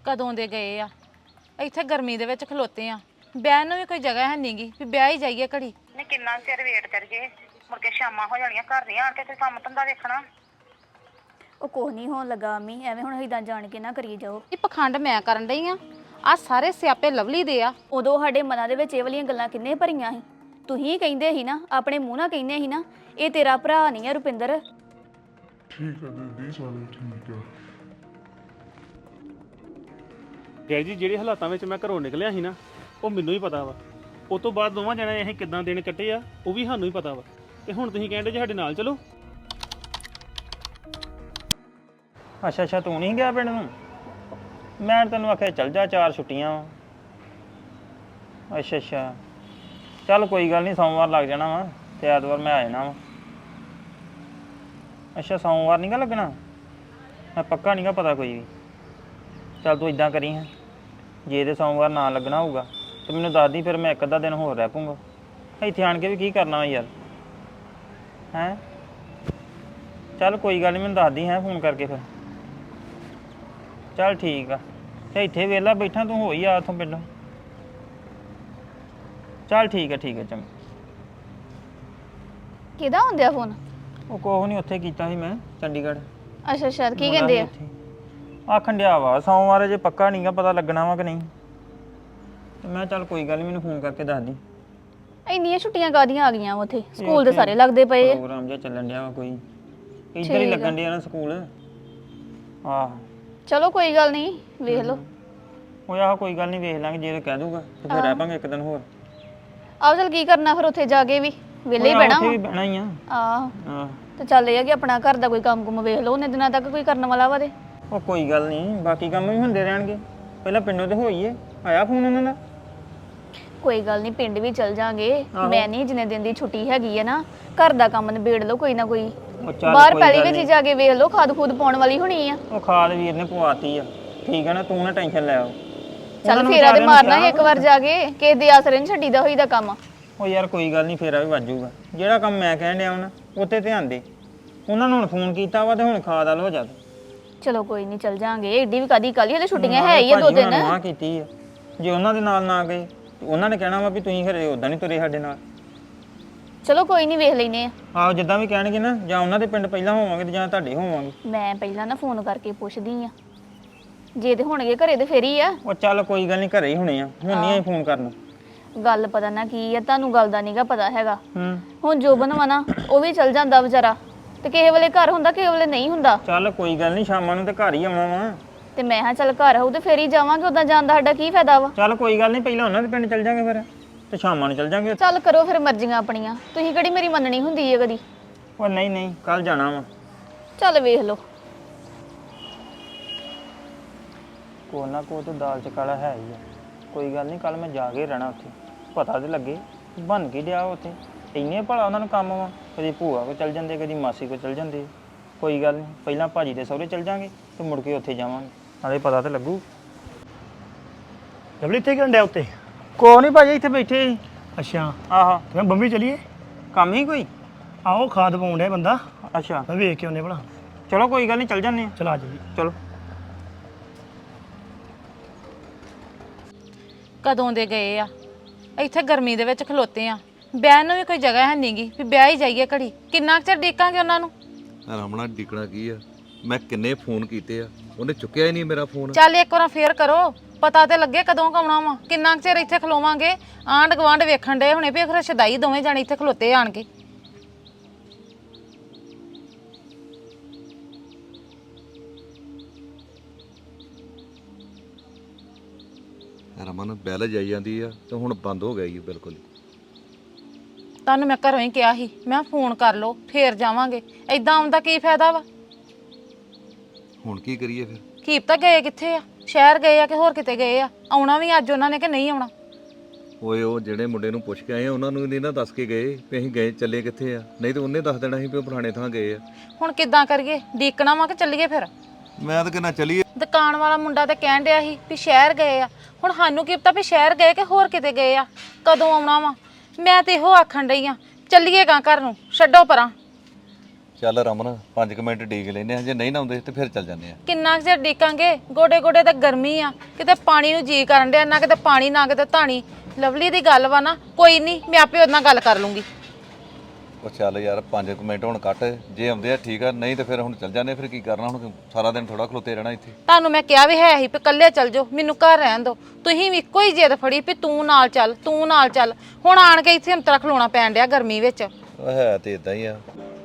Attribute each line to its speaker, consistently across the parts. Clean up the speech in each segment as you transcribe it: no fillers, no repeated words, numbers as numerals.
Speaker 1: ਕਦੋਂ ਦੇ ਗਏ ਆ। ਇੱਥੇ ਗਰਮੀ ਦੇ ਵਿੱਚ ਖਲੋਤੇ ਆ, ਬਹਿਣ ਨੂੰ ਵੀ ਕੋਈ ਜਗ੍ਹਾ ਹੈ ਨਹੀਂਗੀ ਵੀ ਬਹਿ ਹੀ ਜਾਈਏ ਘੜੀ।
Speaker 2: ਨੇ ਕਿੰਨਾ ਚਿਰ ਵੇਟ ਕਰੀਏ, ਮੁੜ ਕੇ ਸ਼ਾਮਾਂ ਹੋ ਜਾਣੀਆਂ, ਘਰ ਨਹੀਂ ਆਣ ਕੇ ਤੇ ਕੰਮ ਧੰਦਾ ਵੇਖਣਾ।
Speaker 3: ਉਹ ਕੁਛ ਨਹੀਂ ਹੋਣ ਲੱਗਾ ਅਮੀ, ਐਵੇਂ ਹੁਣ ਇਦਾਂ ਜਾਣ ਕੇ ਨਾ ਕਰੀ ਜਾਓ।
Speaker 1: ਇਹ ਪਖੰਡ ਮੈਂ ਕਰਨ ਡਈ ਆ ਸਾਰੇ ਸਿਆਪੇ ਲਵਲੀ ਦੇ ਆ।
Speaker 3: ਉਦੋਂ ਸਾਡੇ ਮਨਾਂ ਦੇ ਵਿੱਚ ਇਹ ਵਾਲੀਆਂ ਗੱਲਾਂ ਕਿੰਨੇ ਭਰੀਆਂ ਸੀ। ਤੁਸੀਂ ਕਹਿੰਦੇ ਸੀ ਨਾ, ਆਪਣੇ ਮੂੰਹ ਨਾਲ ਕਹਿੰਦੇ ਸੀ ਨਾ, ਇਹ ਤੇਰਾ ਭਰਾ ਨਹੀਂ ਆ ਰੁਪਿੰਦਰ।
Speaker 4: ਠੀਕ ਹੈ ਦੀਦੀ, ਸਾਰੇ ਠੀਕ ਆ।
Speaker 5: ਡੈਡੀ ਜੀ ਜਿਹੜੇ ਹਾਲਾਤਾਂ ਵਿੱਚ ਮੈਂ ਘਰੋਂ ਨਿਕਲਿਆ ਸੀ ਨਾ, ਉਹ ਮੈਨੂੰ ਹੀ ਪਤਾ ਵਾ। ਉਸ ਤੋਂ ਬਾਅਦ ਦੋਵਾਂ ਜਣੇ ਅਸੀਂ ਕਿੱਦਾਂ ਦਿਨ ਕੱਟੇ ਆ ਉਹ ਵੀ ਸਾਨੂੰ ਹੀ ਪਤਾ ਵਾ। ਤੇ ਹੁਣ ਤੁਸੀਂ ਕਹਿੰਦੇ ਜੇ ਸਾਡੇ ਨਾਲ ਚਲੋ।
Speaker 6: ਅੱਛਾ ਤੂੰ ਨਹੀਂ ਗਿਆ ਪਿੰਡ ਨੂੰ? ਮੈਂ ਤੈਨੂੰ ਆਖਿਆ ਚੱਲ ਜਾ, 4 ਛੁੱਟੀਆਂ ਵਾ। ਅੱਛਾ ਚੱਲ ਕੋਈ ਗੱਲ ਨਹੀਂ, ਸੋਮਵਾਰ ਲੱਗ ਜਾਣਾ ਵਾ ਤੇ ਐਤਵਾਰ ਮੈਂ ਆ ਜਾਣਾ ਵਾ। ਅੱਛਾ ਸੋਮਵਾਰ ਨਹੀਂ ਗਾ ਲੱਗਣਾ? ਮੈਂ ਪੱਕਾ ਨਹੀਂ ਗਾ ਪਤਾ ਕੋਈ ਵੀ। ਚੱਲ ਤੂੰ ਇਦਾਂ ਕਰੀ ਹੈ, ਜੇ ਤੇ ਸੋਮਵਾਰ ਨਾ ਲੱਗਣਾ ਹੋਊਗਾ ਤੇ ਮੈਨੂੰ ਦੱਸ ਦੀ, ਫਿਰ ਮੈਂ ਇੱਕ ਅੱਧਾ ਦਿਨ ਹੋਰ ਰਹਿ ਪੂੰਗਾ। ਇੱਥੇ ਆਣ ਕੇ ਵੀ ਕੀ ਕਰਨਾ ਵਾ ਯਾਰ, ਹੈਂ? ਚੱਲ ਕੋਈ ਗੱਲ ਨਹੀਂ, ਮੈਨੂੰ ਦੱਸਦੀ ਹੈ ਫੋਨ ਕਰਕੇ ਫਿਰ। ਚੱਲ ਠੀਕ ਆ, ਤੇ ਇੱਥੇ ਵਿਹਲਾ ਬੈਠਾ, ਤੂੰ ਹੋ ਹੀ ਆ ਉੱਥੋਂ ਪਿੰਡੋਂ। ਚੱਲ ਠੀਕ ਹੈ ਚੰਗਾ।
Speaker 3: ਕਿਹਦਾ ਹੁੰਦਿਆ ਫੋਨ?
Speaker 6: ਉਹ ਕੋਹ ਨਹੀਂ, ਉੱਥੇ ਕੀਤਾ ਸੀ ਮੈਂ ਚੰਡੀਗੜ੍ਹ।
Speaker 3: ਅੱਛਾ ਕੀ ਕਹਿੰਦੇ ਆ?
Speaker 6: ਆਖਣ ਡਿਆ ਵਾ ਸੋਮਵਾਰ ਜੇ ਪੱਕਾ ਨਹੀਂਗਾ ਪਤਾ ਲੱਗਣਾ ਵਾ ਕਿ ਨਹੀਂ। ਤੇ ਮੈਂ ਚੱਲ ਕੋਈ ਗੱਲ ਨਹੀਂ, ਮੈਨੂੰ ਫੋਨ ਕਰਕੇ ਦੱਸ ਦੀ।
Speaker 3: ਇੰਨੀਆਂ ਛੁੱਟੀਆਂ ਕਾਦੀਆਂ ਆ ਗਈਆਂ ਉੱਥੇ? ਸਕੂਲ ਦੇ ਸਾਰੇ ਲੱਗਦੇ ਪਏ ਆ।
Speaker 6: ਪ੍ਰੋਗਰਾਮ ਜਿਹਾ ਚੱਲਣ ਡਿਆ ਵਾ ਕੋਈ, ਇੱਧਰ ਹੀ ਲੱਗਣ ਡਿਆ ਨਾ ਸਕੂਲ। ਆਹ
Speaker 3: ਚਲੋ ਕੋਈ ਗੱਲ ਨਹੀਂ, ਵੇਖ ਲਓ।
Speaker 6: ਉਹ ਆਹ ਕੋਈ ਗੱਲ ਨਹੀਂ, ਵੇਖ ਲਾਂਗੇ, ਜੇ ਕਹਿ ਦੂਗਾ ਤੇ ਫਿਰ ਰਹਿ ਪਾਂਗੇ ਇੱਕ ਦਿਨ ਹੋਰ।
Speaker 3: ਆਹ ਚੱਲ ਕੀ ਕਰਨਾ ਫਿਰ ਉੱਥੇ ਜਾ ਕੇ ਵੀ, ਵਿਹਲੇ ਹੀ ਬਹਿਣਾ
Speaker 6: ਉੱਥੇ ਵੀ ਬਹਿਣਾ ਹੀ ਆ।
Speaker 3: ਆਹ ਤੇ ਚੱਲ ਇਹ ਆ ਕਿ ਆਪਣਾ ਘਰ ਦਾ ਕੋਈ ਕੰਮ ਕੁਮ ਵੇਖ ਲਓ, ਉਹਨੇ ਦਿਨਾਂ ਤੱਕ ਕੋਈ ਕਰਨ ਵਾਲਾ ਵਾ ਤੇ।
Speaker 6: ਉਹ ਕੋਈ ਗੱਲ ਨਹੀਂ, ਬਾਕੀ ਕੰਮ ਵੀ ਹੁੰਦੇ ਰਹਿਣਗੇ। ਪਹਿਲਾਂ ਪਿੰਡੋਂ ਤੇ ਹੋਈਏ, ਆਇਆ ਫੋਨ ਉਹਨਾਂ ਦਾ?
Speaker 3: ਕੋਈ ਗੱਲ ਨਹੀਂ, ਪਿੰਡ ਵੀ ਚੱਲ ਜਾਾਂਗੇ। ਮੈਂ ਨਹੀਂ, ਜਿੰਨੇ ਦਿਨ ਦੀ ਛੁੱਟੀ ਹੈਗੀ ਹੈ ਨਾ, ਘਰ ਦਾ ਕੰਮ ਨਿਬੇੜ ਲਓ ਕੋਈ ਨਾ ਕੋਈ। ਬਾਹਰ ਪਹਿਲੀ ਵਿੱਚ ਜਾ ਕੇ ਵੇਖ ਲਓ, ਖਾਦ ਖੂਦ ਪਾਉਣ ਵਾਲੀ ਹੋਣੀ ਆ।
Speaker 6: ਉਹ ਖਾਦ ਵੀਰ ਨੇ ਪਵਾਤੀ ਆ, ਠੀਕ ਹੈ ਨਾ, ਤੂੰ ਨਾ ਟੈਨਸ਼ਨ ਲੈ।
Speaker 3: ਚੱਲ ਫੇਰਾ ਤੇ ਮਾਰਨਾ ਇੱਕ ਵਾਰ ਜਾ ਕੇ, ਕਿਸੇ ਦੇ ਆਸਰੇ ਨਹੀਂ ਛੱਡੀਦਾ ਹੋਈਦਾ ਕੰਮ।
Speaker 6: ਉਹ ਯਾਰ ਕੋਈ ਗੱਲ ਨਹੀਂ, ਫੇਰਾ ਵੀ ਵੱਜੂਗਾ। ਜਿਹੜਾ ਕੰਮ ਮੈਂ ਕਹਿਣ ਡਿਆ ਹੁਣ ਉੱਤੇ ਧਿਆਨ ਦੇ। ਉਹਨਾਂ ਨੂੰ ਹੁਣ ਫੋਨ ਕੀਤਾ ਵਾ ਤੇ ਹੁਣ ਖਾਦ ਵਾਲ ਹੋ ਜਾ।
Speaker 3: ਚਲੋ ਕੋਈ ਨਹੀਂ, ਚੱਲ ਜਾਾਂਗੇ। ਏਡੀ ਵੀ ਕਾਦੀ ਕਾਲੀ, ਹਲੇ ਛੁੱਟੀਆਂ ਹੈ ਹੀ ਆ 2 ਦਿਨ।
Speaker 6: ਹਾਂ ਕੀਤੀ ਆ, ਜੇ ਉਹਨਾਂ ਦੇ ਨਾਲ ਨਾ ਗਏ ਉਹਨਾਂ ਨੇ ਕਹਿਣਾ ਵਾ ਵੀ ਤੁਸੀਂ ਘਰੇ ਉਦਾਂ ਨਹੀਂ ਤੁਰੇ ਸਾਡੇ ਨਾਲ।
Speaker 3: ਚਲੋ ਕੋਈ ਨਹੀਂ, ਵੇਖ ਲੈਨੇ ਆ।
Speaker 6: ਆਹੋ ਜਿੱਦਾਂ ਵੀ ਕਹਿਣਗੇ ਨਾ, ਜਾਂ ਉਹਨਾਂ ਦੇ ਪਿੰਡ ਪਹਿਲਾਂ ਹੋਵਾਂਗੇ ਤੇ ਜਾਂ ਤੁਹਾਡੇ ਹੋਵਾਂਗੇ।
Speaker 3: ਮੈਂ ਪਹਿਲਾਂ ਨਾ ਫੋਨ ਕਰਕੇ ਪੁੱਛਦੀ ਆ, ਜੇ ਤੇ ਹੋਣਗੇ ਘਰੇ ਤੇ ਫੇਰ ਹੀ ਆ।
Speaker 6: ਉਹ ਚੱਲ ਕੋਈ ਗੱਲ ਨਹੀਂ, ਘਰੇ ਹੀ ਹੋਣੇ ਆ, ਹੁਣ ਨਹੀਂ ਆਈ ਫੋਨ ਕਰਨ।
Speaker 3: ਗੱਲ ਪਤਾ ਨਾ ਕੀ ਆ, ਤੁਹਾਨੂੰ ਗੱਲ ਦਾ ਨਹੀਂਗਾ ਪਤਾ ਹੈਗਾ।
Speaker 6: ਹੂੰ
Speaker 3: ਹੁਣ ਜੋਬਨ ਵਾ ਨਾ, ਉਹ ਵੀ ਚੱਲ ਜਾਂਦਾ ਵਿਚਾਰਾ, ਤੇ ਕਿਸੇ ਵੇਲੇ ਘਰ ਹੁੰਦਾ, ਕਿਸੇ ਵੇਲੇ ਨਹੀਂ ਹੁੰਦਾ।
Speaker 6: ਚੱਲ ਕੋਈ ਗੱਲ ਨਹੀਂ, ਸ਼ਾਮਾਂ ਨੂੰ ਤੇ ਘਰ ਹੀ ਆਉਣਾ ਵਾ।
Speaker 3: ਤੇ ਮੈਂ ਹਾਂ ਚੱਲ ਘਰ ਆਉ ਤੇ ਫੇਰ ਹੀ ਜਾਵਾਂਗੇ, ਉਦਾਂ ਜਾਣ ਦਾ ਸਾਡਾ ਕੀ ਫਾਇਦਾ ਵਾ।
Speaker 6: ਚੱਲ ਕੋਈ ਗੱਲ ਨਹੀਂ, ਪਹਿਲਾਂ ਉਹਨਾਂ ਦੇ ਪਿੰਡ ਚੱਲ ਜਾਾਂਗੇ ਫਿਰ, ਤੇ ਸ਼ਾਮਾਂ ਨੂੰ ਚੱਲ ਜਾਾਂਗੇ।
Speaker 3: ਚੱਲ ਕਰੋ ਫਿਰ ਮਰਜ਼ੀਆਂ ਆਪਣੀਆਂ, ਤੁਸੀਂ ਕਿਹੜੀ ਮੇਰੀ ਮੰਨਣੀ ਹੁੰਦੀ ਹੈ ਕਦੀ।
Speaker 6: ਉਹ ਨਹੀਂ ਕੱਲ ਜਾਣਾ ਵਾ।
Speaker 3: ਚੱਲ ਵੇਖ ਲਓ।
Speaker 6: ਕੋ ਨਾ ਕੋ ਤੇ ਦਾਲ ਚ ਕਾਲਾ ਹੈ ਹੀ ਆ। ਕੋਈ ਗੱਲ ਨਹੀਂ, ਕੱਲ ਮੈਂ ਜਾ ਕੇ ਰਹਿਣਾ ਉੱਥੇ, ਪਤਾ ਤੇ ਲੱਗੇ ਬਣ ਕੇ ਡਿਆ ਉੱਥੇ। ਇੰਨੇ ਭਲਾ ਉਹਨਾਂ ਨੂੰ ਕੰਮ ਵਾ, ਕਦੀ ਭੂਆ ਕੋ ਚੱਲ ਜਾਂਦੇ, ਕਦੀ ਮਾਸੀ ਕੋ ਚੱਲ ਜਾਂਦੇ। ਕੋਈ ਗੱਲ ਨਹੀਂ, ਪਹਿਲਾਂ ਭਾਜੀ ਦੇ ਸਹੁਰੇ ਚੱਲ ਜਾਾਂਗੇ ਤੇ ਮੁੜ ਕੇ ਉੱਥੇ ਜਾਵਾਂਗੇ, ਨਾਲੇ ਪਤਾ ਤੇ ਲੱਗੂ।
Speaker 7: ਲਵਲੀ ਇੱਥੇ ਕਿਉਂ ਡਿਆ ਉੱਤੇ?
Speaker 6: ਕੋ ਨਹੀਂ ਭਾਜੀ, ਇੱਥੇ ਬੈਠੇ ਸੀ।
Speaker 7: ਅੱਛਾ
Speaker 6: ਆਹਾ,
Speaker 7: ਤੇ ਮੈਂ ਬੰਬੀ ਚਲੀਏ?
Speaker 6: ਕੰਮ ਹੀ ਕੋਈ?
Speaker 7: ਆਹੋ ਖਾਦ ਪਾਉਣ ਡਿਆ ਬੰਦਾ,
Speaker 6: ਅੱਛਾ
Speaker 7: ਮੈਂ ਵੇਖ ਕੇ ਆਉਨੇ ਭਲਾ।
Speaker 6: ਚਲੋ ਕੋਈ ਗੱਲ ਨਹੀਂ, ਚੱਲ ਜਾਂਦੇ ਆ।
Speaker 7: ਚਲਾ ਜੀ।
Speaker 6: ਚਲੋ।
Speaker 1: ਕਦੋਂ ਦੇ ਗਏ ਆ। ਇੱਥੇ ਗਰਮੀ ਦੇ ਵਿੱਚ ਖਲੋਤੇ ਆ, ਬਹਿਣ ਨੂੰ ਵੀ ਕੋਈ ਜਗ੍ਹਾ ਹੈ ਨਹੀਂਗੀ ਵੀ ਬਹਿ ਹੀ ਜਾਈਏ ਘੜੀ। ਕਿੰਨਾ ਕੁ ਚਿਰ ਡੀਕਾਂਗੇ ਉਹਨਾਂ ਨੂੰ?
Speaker 8: ਰਾਮਣਾ ਡਿਕਣਾ ਕੀ ਆ, ਮੈਂ ਕਿੰਨੇ ਫੋਨ ਕੀਤੇ ਆ, ਉਹਨੇ ਚੁੱਕਿਆ ਹੀ ਨਹੀਂ ਮੇਰਾ ਫੋਨ।
Speaker 1: ਚੱਲ ਇੱਕ ਵਾਰ ਫੇਰ ਕਰੋ, ਪਤਾ ਤੇ ਲੱਗੇ ਕਦੋਂ ਆਉਣਾ ਵਾ। ਕਿੰਨਾ ਕੁ ਚਿਰ ਇੱਥੇ ਖਲੋਵਾਂਗੇ? ਆਂਢ ਗਵਾਂਢ ਵੇਖਣ ਡੇ ਹੁਣੇ ਵੀ ਫਿਰ ਸ਼ਦਾਈ ਦੋਵੇਂ ਜਾਣੇ ਇੱਥੇ ਖਲੋਤੇ ਆਣ ਕੇ।
Speaker 8: ਰਮਨ ਬੈਲ ਜਾਈ ਜਾਂਦੀ ਆ ਤੇ ਹੁਣ ਬੰਦ ਹੋ ਗਿਆ ਜੀ ਬਿਲਕੁਲ।
Speaker 1: ਤੁਹਾਨੂੰ ਮੈਂ ਘਰੋਂ ਹੀ ਕਿਹਾ ਸੀ, ਮੈਂ ਫੋਨ ਕਰ ਲਓ ਫੇਰ ਜਾਵਾਂਗੇ। ਐਦਾਂ ਆਉਣ ਦਾ ਕੀ ਫਾਇਦਾ ਵਾ?
Speaker 8: ਹੁਣ ਕੀ ਕਰੀਏ ਫਿਰ?
Speaker 1: ਕੀਪ ਤਾਂ ਗਏ ਕਿੱਥੇ ਆ? ਸ਼ਹਿਰ ਗਏ ਆ ਕਿ ਹੋਰ ਕਿਤੇ ਗਏ ਆ? ਆਉਣਾ ਵੀ ਅੱਜ ਉਹਨਾਂ ਨੇ ਕਿ ਨਹੀਂ ਆਉਣਾ?
Speaker 8: ਓਏ ਉਹ ਜਿਹੜੇ ਮੁੰਡੇ ਨੂੰ ਪੁੱਛ ਕੇ ਆਏ ਆ ਉਹਨਾਂ ਨੂੰ ਨਹੀਂ ਨਾ ਦੱਸ ਕੇ ਗਏ ਵੀ ਅਸੀਂ ਗਏ ਚੱਲੇ ਕਿੱਥੇ ਆ, ਨਹੀਂ ਤੇ ਉਹਨੇ ਦੱਸ ਦੇਣਾ ਸੀ ਵੀ ਉਹ ਪੁਰਾਣੇ ਥਾਂ ਗਏ ਆ।
Speaker 1: ਹੁਣ ਕਿੱਦਾਂ ਕਰੀਏ? ਡੀਕਣਾ ਵਾ ਕਿ ਚੱਲੀਏ ਫਿਰ?
Speaker 8: ਮੈਂ ਤਾਂ ਕਹਿੰਦਾ ਚੱਲੀਏ।
Speaker 1: ਦੁਕਾਨ ਵਾਲਾ ਮੁੰਡਾ ਤੇ ਕਹਿਣ ਡਿਆ ਸੀ ਵੀ ਸ਼ਹਿਰ ਗਏ ਆ। ਹੁਣ ਸਾਨੂੰ ਕੀ ਪਤਾ ਵੀ ਸ਼ਹਿਰ ਗਏ ਕਿ ਹੋਰ ਕਿਤੇ ਗਏ ਆ, ਕਦੋਂ ਆਉਣਾ ਵਾ। ਮੈਂ ਤੇ ਇਹੋ ਆਖਣ ਡਈ ਆ, ਚੱਲੀਏਗਾ ਘਰ ਨੂੰ, ਛੱਡੋ ਪਰਾਂ।
Speaker 8: ਚੱਲ ਰਮਨ 5 ਮਿੰਟ ਡੀਕ ਲੈਨੇ ਆ, ਜੇ ਨਹੀਂ ਨਾ ਆਉਂਦੇ ਤੇ ਫਿਰ ਚੱਲ ਜਾਂਦੇ ਆ।
Speaker 1: ਕਿੰਨਾ ਕੁ ਚਿਰ ਡੀਕਾਂਗੇ? ਗੋਡੇ ਗੋਡੇ ਤਾਂ ਗਰਮੀ ਆ, ਕਿਤੇ ਪਾਣੀ ਨੂੰ ਜੀ ਕਰਨ ਡਿਆ, ਨਾ ਕਿਤੇ ਪਾਣੀ ਨਾ ਕਿਤੇ ਧਾਣੀ। ਲਵਲੀ ਦੀ ਗੱਲ ਵਾ ਨਾ, ਕੋਈ ਨਹੀਂ ਮੈਂ ਆਪੇ ਉਹਦੇ ਨਾਲ ਗੱਲ ਕਰ ਲੂੰਗੀ।
Speaker 8: ਉਹ ਚੱਲ ਯਾਰ 5 ਮਿੰਟ ਹੁਣ ਕੱਟ, ਜੇ ਆਉਂਦੇ ਆ ਠੀਕ ਆ, ਨਹੀਂ ਤੇ ਫਿਰ ਹੁਣ ਚੱਲ ਜਾਂਦੇ। ਫਿਰ ਕੀ ਕਰਨਾ ਹੁਣ, ਸਾਰਾ ਦਿਨ ਥੋੜਾ ਖਲੋਤੇ ਰਹਿਣਾ ਇੱਥੇ।
Speaker 1: ਤੁਹਾਨੂੰ ਮੈਂ ਕਿਹਾ ਵੀ ਹੈ ਹੀ ਵੀ ਇਕੱਲੇ ਚੱਲ ਜਾਓ, ਮੈਨੂੰ ਘਰ ਰਹਿਣ ਦਿਓ। ਤੁਸੀਂ ਵੀ ਇੱਕੋ ਹੀ ਜਿੱਦ ਫੜੀ ਵੀ ਤੂੰ ਨਾਲ ਚੱਲ, ਤੂੰ ਨਾਲ ਚੱਲ। ਹੁਣ ਆਣ ਕੇ ਇੱਥੇ ਅੰਤਰਾ ਖਲੋਣਾ ਪੈਣ ਡਿਆ ਗਰਮੀ ਵਿੱਚ।
Speaker 8: ਉਹ ਹੈ ਤੇ ਇਦਾਂ ਹੀ ਆ।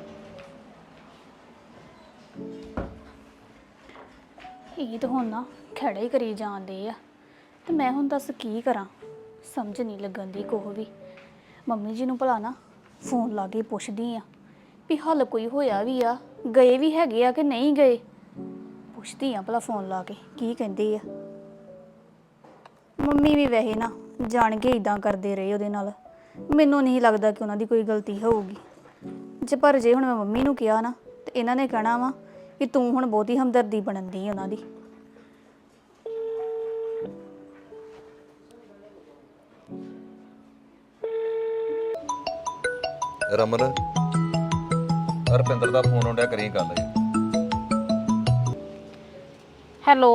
Speaker 3: ਇਹ ਤਾਂ ਹੁਣ ਨਾ ਖੜੇ ਹੀ ਕਰੀ ਜਾਂਦੇ ਆ, ਤੇ ਮੈਂ ਹੁਣ ਦੱਸ ਕੀ ਕਰਾਂ? ਸਮਝ ਨਹੀਂ ਲੱਗਣ ਦੀ ਕੋਹ ਵੀ। ਮੰਮੀ ਜੀ ਨੂੰ ਭਲਾ ਨਾ ਫੋਨ ਲਾ ਕੇ ਪੁੱਛਦੀ ਆ ਵੀ ਹੱਲ ਕੋਈ ਹੋਇਆ ਵੀ ਆ, ਗਏ ਵੀ ਹੈਗੇ ਆ ਕਿ ਨਹੀਂ ਗਏ। ਪੁੱਛਦੀ ਆ ਭਲਾ ਫੋਨ ਲਾ ਕੇ ਕੀ ਕਹਿੰਦੇ ਆ। ਮੰਮੀ ਵੀ ਵੈਸੇ ਨਾ ਜਾਣ ਕੇ ਇਦਾਂ ਕਰਦੇ ਰਹੇ ਉਹਦੇ ਨਾਲ। ਮੈਨੂੰ ਨਹੀਂ ਲੱਗਦਾ ਕਿ ਉਹਨਾਂ ਦੀ ਕੋਈ ਗਲਤੀ ਹੋਊਗੀ। ਪਰ ਜੇ ਹੁਣ ਮੈਂ ਮੰਮੀ ਨੂੰ ਕਿਹਾ ਨਾ ਤੇ ਇਹਨਾਂ ਨੇ ਕਹਿਣਾ ਵਾ ਕਿ ਤੂੰ ਹੁਣ ਬਹੁਤੀ ਹਮਦਰਦੀ ਬਣਨ ਦੀ ਉਹਨਾਂ ਦੀ।
Speaker 8: ਰਮਨ ਰਪਿੰਦਰ ਦਾ ਫੋਨ ਆਉਂਦਾ, ਕਰੀ ਗੱਲ।
Speaker 1: ਹੈਲੋ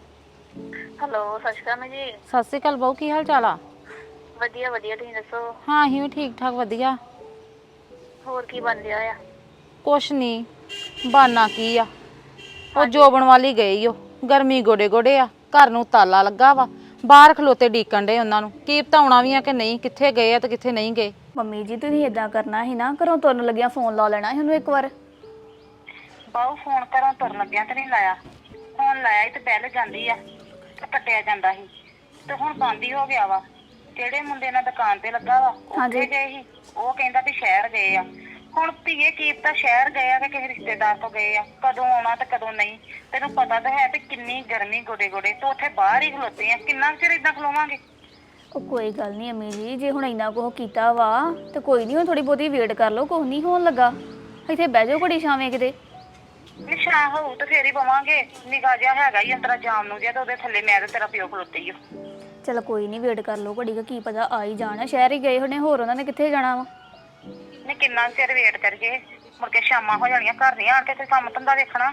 Speaker 2: ਹੈਲੋ, ਸਤਿ ਸ਼੍ਰੀ ਅਕਾਲ ਮੈਂ ਜੀ।
Speaker 1: ਸਤਿ ਸ਼੍ਰੀ ਅਕਾਲ ਬਾਊ, ਕੀ ਹਾਲ ਚਾਲ ਆ?
Speaker 2: ਵਧੀਆ ਵਧੀਆ, ਤੁਸੀਂ ਦੱਸੋ?
Speaker 1: ਹਾਂ ਅਸੀਂ ਵੀ ਠੀਕ ਠਾਕ ਵਧੀਆ।
Speaker 2: ਹੋਰ ਕੀ ਬਣ ਰਿਹਾ ਆ?
Speaker 1: ਕੁਛ ਨਹੀਂ, ਬਾਨਾ ਕੀ ਆ, ਉਹ ਜੋਬਣ ਵਾਲੀ ਗਈ ਓ। ਗਰਮੀ ਗੋਡੇ ਗੋਡੇ ਆ, ਘਰ ਨੂੰ ਤਾਲਾ ਲੱਗਾ ਵਾ, ਬਾਹਰ ਖਲੋਤੇ ਡੀਕਣ ਡੇ ਉਹਨਾਂ ਨੂੰ। ਕੀ ਪਤਾ ਆਉਣਾ ਵੀ ਆ ਕਿ ਨਹੀਂ, ਕਿੱਥੇ ਗਏ ਆ ਤੇ ਕਿੱਥੇ ਨਹੀਂ ਗਏ।
Speaker 3: ਮੰਮੀ ਜੀ ਤੁਸੀਂ ਇਦਾਂ ਕਰਨਾ ਸੀ ਨਾ, ਘਰੋਂ ਤੁਰਨ ਲੱਗਿਆ ਫੋਨ ਲਾ ਲੈਣਾ ਸੀ ਉਹਨੂੰ ਇੱਕ ਵਾਰ।
Speaker 2: ਬਾਹੂ ਫੋਨ ਘਰੋਂ ਤੁਰਨ ਲੱਗਿਆ ਤੇ ਨਹੀਂ ਲਾਇਆ। ਫੋਨ ਲਾਇਆ ਸੀ ਤੇ ਬੈਲ ਜਾਂਦੀ ਆ ਤੇ ਕੱਟਿਆ ਜਾਂਦਾ ਸੀ, ਤੇ ਹੁਣ ਬੰਦ ਹੀ ਹੋ ਗਿਆ ਵਾ। ਜਿਹੜੇ ਮੁੰਡੇ ਨਾਲ ਦੁਕਾਨ ਤੇ ਲੱਗਾ ਵਾ ਉੱਥੇ ਗਏ ਸੀ, ਉਹ ਕਹਿੰਦਾ ਵੀ ਸ਼ਹਿਰ ਗਏ ਆ। ਹੁਣ ਧੀਏ ਕੀ ਪਤਾ ਸ਼ਹਿਰ ਗਏ ਆ ਕਿ ਕਿਸੇ ਰਿਸ਼ਤੇਦਾਰ ਤੋਂ ਗਏ ਆ, ਕਦੋਂ ਆਉਣਾ ਤੇ ਕਦੋਂ ਨਹੀਂ। ਤੈਨੂੰ ਪਤਾ ਤਾਂ ਹੈ ਵੀ ਕਿੰਨੀ ਗਰਮੀ ਗੋਡੇ ਗੋਡੇ, ਤੂੰ ਉੱਥੇ ਬਾਹਰ ਹੀ ਖਲੋਤੇ ਆ। ਕਿੰਨਾ ਚਿਰ ਏਦਾਂ ਖਲੋਵਾਂਗੇ?
Speaker 3: ਉਹ ਕੋਈ ਗੱਲ ਨਹੀਂ ਅੰਮੀ ਜੀ, ਜੇ ਹੁਣ ਇੰਨਾ ਕੁਝ ਕੀਤਾ ਵਾ ਤੇ ਕੋਈ ਨਹੀਂ, ਹੁਣ ਥੋੜੀ ਬਹੁਤੀ ਵੇਟ ਕਰ ਲਓ, ਕੁਝ ਨਹੀਂ ਹੋਣ ਲੱਗਾ। ਇੱਥੇ ਬਹਿ ਜਾਓ ਘੜੀ ਛਾਵੇਂ ਕਿਤੇ।
Speaker 2: ਨਿਸ਼ਾ ਹੋਊ ਤੇ ਫੇਰ ਹੀ ਪਵਾਂਗੇ। ਨਿਗਾਹ ਜਿਹਾ ਹੈਗਾ ਹੀ ਅੰਤਰਾ ਜਾਮ ਨੂੰ ਜਿਹਾ, ਤੇ ਉਹਦੇ ਥੱਲੇ ਮੈਂ ਤੇ ਤੇਰਾ ਪਿਓ ਖਲੋਤੇ ਹੀ ਆ।
Speaker 3: ਚਲ ਕੋਈ ਨਹੀਂ, ਵੇਟ ਕਰ ਲਓ ਘੜੀ, ਕੀ ਪਤਾ ਆ ਹੀ ਜਾਣਾ। ਸ਼ਹਿਰ ਹੀ ਗਏ ਹੋਣੇ, ਹੋਰ ਉਹਨਾਂ ਨੇ ਕਿੱਥੇ ਜਾਣਾ ਵਾ।
Speaker 2: ਨਹੀਂ ਕਿੰਨਾ ਚਿਰ ਵੇਟ ਕਰੀਏ, ਮੁੜ ਕੇ ਸ਼ਾਮਾਂ ਹੋ ਜਾਣੀਆਂ, ਘਰ ਨਹੀਂ ਆਣ ਕੇ ਤੇ ਕੰਮ ਧੰਦਾ ਵੇਖਣਾ।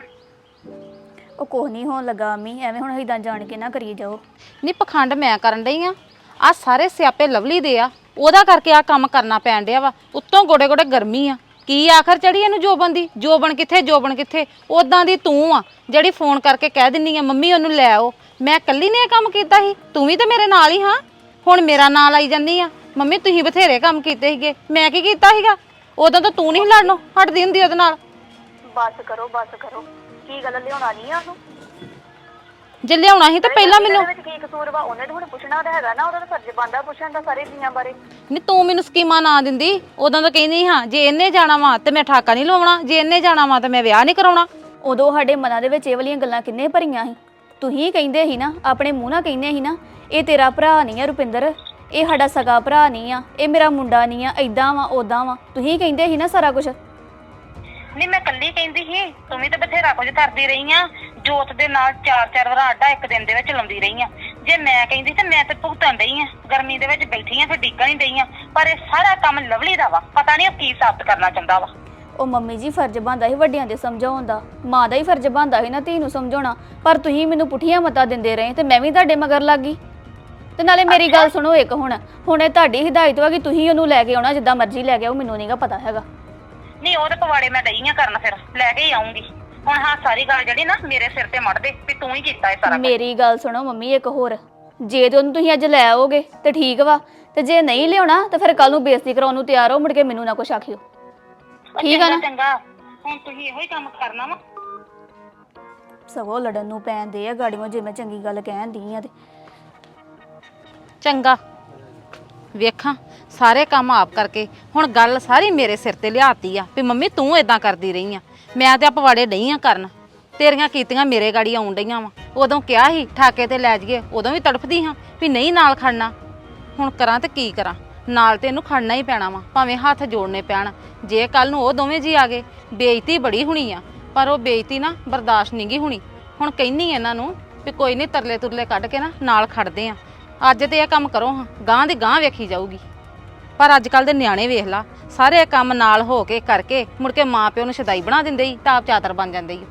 Speaker 3: ਉਹ ਕੁਝ ਨਹੀਂ ਹੋਣ ਲੱਗਾ ਅੰਮੀ, ਐਵੇਂ ਹੁਣ ਇਦਾਂ ਜਾਣ ਕੇ ਨਾ ਕਰੀ ਜਾਓ।
Speaker 1: ਨਹੀਂ ਪਖੰਡ ਮੈਂ ਕਰਨ ਡਈ ਆ ਸਾਰੇ ਸਿਆਪੇ ਲਵਲੀ ਦੇ ਆ, ਉਹਦਾ ਕਰਕੇ ਆ ਕੰਮ ਕਰਨਾ ਪੈਣ ਡਿਆ ਵਾ। ਉੱਤੋਂ ਗੋਡੇ ਗੋਡੇ ਗਰਮੀ ਆ, ਕੀ ਆਖਰ ਚੜੀ ਇਹਨੂੰ ਜੋਬਨ ਦੀ। ਜੋਬਨ ਕਿੱਥੇ, ਜੋਬਨ ਕਿੱਥੇ? ਉਦਾਂ ਦੀ ਤੂੰ ਆ ਜਿਹੜੀ ਫੋਨ ਕਰਕੇ ਕਹਿ ਦਿੰਨੀ ਆ ਮੰਮੀ ਉਹਨੂੰ ਲੈ ਆਓ। ਮੈਂ ਇਕੱਲੀ ਨੇ ਇਹ ਕੰਮ ਕੀਤਾ ਸੀ? ਤੂੰ ਵੀ ਤਾਂ ਮੇਰੇ ਨਾਲ ਹੀ ਹਾਂ। ਹੁਣ ਮੇਰਾ ਨਾਂ ਲਾਈ ਜਾਂਦੀ ਆ ਮੰਮੀ ਤੁਸੀਂ ਬਥੇਰੇ ਕੰਮ ਕੀਤੇ ਸੀਗੇ, ਮੈਂ ਕੀ ਕੀਤਾ ਸੀਗਾ? ਉਦੋਂ ਤਾਂ ਤੂੰ ਨਹੀਂ ਲੜਨੋਂ ਹਟਦੀ ਹੁੰਦੀ ਉਹਦੇ ਨਾਲ।
Speaker 2: ਬਸ ਕਰੋ ਬਸ ਕਰੋ, ਕੀ ਗੱਲ ਲਿਆਉਣਾ ਨਹੀਂ ਆ ਉਹਨੂੰ?
Speaker 1: ਜੇ ਲਿਆਉਣਾ ਸੀ ਤਾਂ ਪਹਿਲਾਂ ਮੈਨੂੰ।
Speaker 2: ਵਿੱਚ ਕੀ ਕਸੂਰ ਵਾ? ਉਹਨੇ ਤਾਂ ਹੁਣ ਪੁੱਛਣਾ ਤਾਂ ਹੈਗਾ ਨਾ, ਉਹਦਾ ਤਾਂ ਫਰਜ਼ ਬਣਦਾ ਪੁੱਛਣ ਦਾ ਸਾਰੇ ਜੀਆਂ ਬਾਰੇ।
Speaker 1: ਨਹੀਂ ਤੂੰ ਮੈਨੂੰ ਸਕੀਮਾਂ ਨਾ ਦਿੰਦੀ, ਉਦੋਂ ਤਾਂ ਕਹਿੰਦੀ ਹਾਂ ਜੇ ਇਹਨੇ ਜਾਣਾ ਵਾ ਤੇ ਮੈਂ ਠਾਕਾ ਨਹੀਂ ਲਵਾਉਣਾ, ਜੇ ਇਹਨੇ ਜਾਣਾ ਵਾ ਤੇ ਮੈਂ ਵਿਆਹ ਨਹੀਂ ਕਰਾਉਣਾ।
Speaker 3: ਉਦੋਂ ਸਾਡੇ ਮਨਾਂ ਦੇ ਵਿੱਚ ਇਹ ਵਾਲੀਆਂ ਗੱਲਾਂ ਕਿੰਨੇ ਭਰੀਆਂ ਸੀ। ਤੁਸੀਂ ਕਹਿੰਦੇ ਸੀ ਨਾ, ਆਪਣੇ ਮੂੰਹ ਨਾਲ ਕਹਿੰਦੇ ਸੀ ਨਾ, ਇਹ ਤੇਰਾ ਭਰਾ ਨਹੀਂ ਆ ਰੁਪਿੰਦਰ, ਇਹ ਸਾਡਾ ਸਗਾ ਭਰਾ ਨਹੀਂ ਆ, ਇਹ ਮੇਰਾ ਮੁੰਡਾ ਨਹੀਂ ਆ, ਏਦਾਂ ਵਾ ਉਦਾਂ ਵਾ। ਤੁਸੀਂ ਕਹਿੰਦੇ ਸੀ ਨਾ ਸਾਰਾ ਕੁਝ।
Speaker 2: ਨਹੀਂ ਮੈਂ ਕੱਲੀ ਕਹਿੰਦੀ ਸੀ, ਤੂੰ ਵੀ ਤਾਂ ਬਥੇਰਾ ਕੁਝ ਕਰਦੀ ਰਹੀ ਆ। ਜੋਤ ਦੇ ਨਾਲ 4-4 ਵਾਰ ਆਡਾ ਇੱਕ ਦਿਨ ਦੇ ਵਿੱਚ ਲਾਉਂਦੀ ਰਹੀ ਆ। ਜੇ ਮੈਂ ਕਹਿੰਦੀ ਤੇ ਮੈਂ ਤੇ ਭੁਗਤਣ ਡਈ ਆ, ਗਰਮੀ ਦੇ ਵਿੱਚ ਬੈਠੀ ਆ, ਫਿਰ ਡਿੱਗਣ ਹੀ ਡਈ ਆ। ਪਰ ਇਹ ਸਾਰਾ ਕੰਮ ਲਵਲੀ ਦਾ ਵਾ, ਪਤਾ ਨਹੀਂ ਉਹ ਕੀ ਸਾਬਤ ਕਰਨਾ ਚਾਹੁੰਦਾ ਵਾ।
Speaker 3: ਉਹ ਮੰਮੀ ਜੀ ਫਰਜ਼ ਬਣਦਾ ਸੀ ਵੱਡਿਆਂ ਦੇ ਸਮਝਾਉਣ ਦਾ, ਮਾਂ ਦਾ ਹੀ ਫਰਜ਼ ਬਣਦਾ ਸੀ ਨਾ ਧੀ ਨੂੰ ਸਮਝਾਉਣਾ। ਪਰ ਤੁਸੀਂ ਮੈਨੂੰ ਪੁੱਠੀਆਂ ਮਤਾਂ ਦਿੰਦੇ ਰਹੇ ਤੇ ਮੈਂ ਵੀ ਤੁਹਾਡੇ ਮਗਰ ਲੱਗ ਗਈ। ਤੇ ਨਾਲੇ ਮੇਰੀ ਗੱਲ ਸੁਣੋ ਇੱਕ, ਹੁਣ ਇਹ ਤੁਹਾਡੀ ਹਿਦਾਇਤ ਵਾ ਕਿ ਤੁਸੀਂ ਉਹਨੂੰ ਲੈ ਕੇ ਆਉਣਾ, ਜਿੱਦਾਂ ਮਰਜ਼ੀ ਲੈ ਕੇ ਆਓ, ਮੈਨੂੰ ਨਹੀਂਗਾ ਪਤਾ ਹੈਗਾ।
Speaker 2: ਨਹੀਂ ਉਹਦੇ ਪਵਾੜੇ ਮੈਂ ਡਈ ਆ ਕਰਨ, ਫਿਰ ਲੈ ਕੇ ਹੀ ਆਉਂਗੀ। ਹੁਣ ਹਾਂ ਸਾਰੀ ਗੱਲ ਜਿਹੜੀ ਨਾ ਮੇਰੇ ਸਿਰ ਤੇ ਮੜ ਦੇ ਵੀ ਤੂੰ ਹੀ ਕੀਤਾ ਇਹ ਸਾਰਾ।
Speaker 3: ਮੇਰੀ ਗੱਲ ਸੁਣੋ ਮੰਮੀ ਇੱਕ ਹੋਰ, ਜੇ ਤੇ ਉਹਨੂੰ ਤੁਸੀਂ ਅੱਜ ਲੈ ਆਓਗੇ ਤੇ ਠੀਕ ਵਾ, ਤੇ ਜੇ ਨਹੀਂ ਲਿਆਉਣਾ ਤਾਂ ਫਿਰ ਕੱਲ ਨੂੰ ਬੇਇੱਜ਼ਤੀ ਕਰਾਉਣ ਨੂੰ ਤਿਆਰ ਹੋ, ਮੁੜ ਕੇ ਮੈਨੂੰ ਨਾ ਕੁਛ ਆਖਿਓ। ਠੀਕ ਆ ਨਾ?
Speaker 2: ਚੰਗਾ, ਹੁਣ ਤੁਸੀਂ ਇਹੋ ਹੀ ਕੰਮ ਕਰਨਾ ਵਾ।
Speaker 3: ਸਗੋਂ ਲੜਨ ਨੂੰ ਪੈਂਦੇ ਆ ਗਾੜੀਆਂ, ਜੇ ਮੈਂ ਚੰਗੀ ਗੱਲ ਕਹਿੰਦੀ ਆ ਤੇ।
Speaker 1: ਚੰਗਾ ਵੇਖਾਂ ਸਾਰੇ ਕੰਮ ਆਪ ਕਰਕੇ, ਹੁਣ ਗੱਲ ਸਾਰੀ ਮੇਰੇ ਸਿਰ ਤੇ ਲਿਆਤੀ ਆ ਵੀ ਮੰਮੀ ਤੂੰ ਇਦਾਂ ਕਰਦੀ ਰਹੀ ਆ। ਮੈਂ ਤੇ ਆ ਪਵਾੜੇ ਡਈ ਆ ਕਰਨ, ਤੇਰੀਆਂ ਕੀਤੀਆਂ ਮੇਰੇ ਗਾੜੀ ਆਉਣ ਡਈਆਂ ਵਾ। ਉਦੋਂ ਕਿਹਾ ਸੀ ਠਾਕੇ ਤੇ ਲੈ ਜਾਈਏ, ਉਦੋਂ ਵੀ ਤੜਫਦੀ ਹਾਂ ਵੀ ਨਹੀਂ ਨਾਲ ਖੜਨਾ। ਹੁਣ ਕਰਾਂ ਤੇ ਕੀ ਕਰਾਂ, ਨਾਲ ਤੇ ਇਹਨੂੰ ਖੜਨਾ ਹੀ ਪੈਣਾ ਵਾ, ਭਾਵੇਂ ਹੱਥ ਜੋੜਨੇ ਪੈਣ। ਜੇ ਕੱਲ ਨੂੰ ਉਹ ਦੋਵੇਂ ਜੀ ਆ ਗਏ, ਬੇਇੱਜ਼ਤੀ ਬੜੀ ਹੋਣੀ ਆ, ਪਰ ਉਹ ਬੇਇੱਜ਼ਤੀ ਨਾ ਬਰਦਾਸ਼ਤ ਨਹੀਂ ਗੀ ਹੋਣੀ। ਹੁਣ ਕਹਿੰਨੀ ਇਹਨਾਂ ਨੂੰ ਵੀ ਕੋਈ ਨਹੀਂ, ਤਰਲੇ ਤੁਰਲੇ ਕੱਢ ਕੇ ਨਾ ਨਾਲ ਖੜਦੇ ਆ। ਅੱਜ ਤੇ ਇਹ ਕੰਮ ਕਰੋ ਹਾਂ, ਗਾਂ ਦੀ ਗਾਂ ਵੇਖੀ ਜਾਊਗੀ। ਪਰ ਅੱਜ ਕੱਲ ਦੇ ਨਿਆਣੇ ਵੇਖ ਲਾ ਸਾਰੇ ਕੰਮ ਨਾਲ ਹੋ ਕੇ ਕਰਕੇ ਮੁੜ ਕੇ ਮਾਂ ਪਿਓ ਨੂੰ ਸ਼ਦਾਈ ਬਣਾ ਦਿੰਦੇ ਹੀ ਤਾਂ ਆਪ ਚਾਤਰ ਬਣ ਜਾਂਦੇ ਹੀ।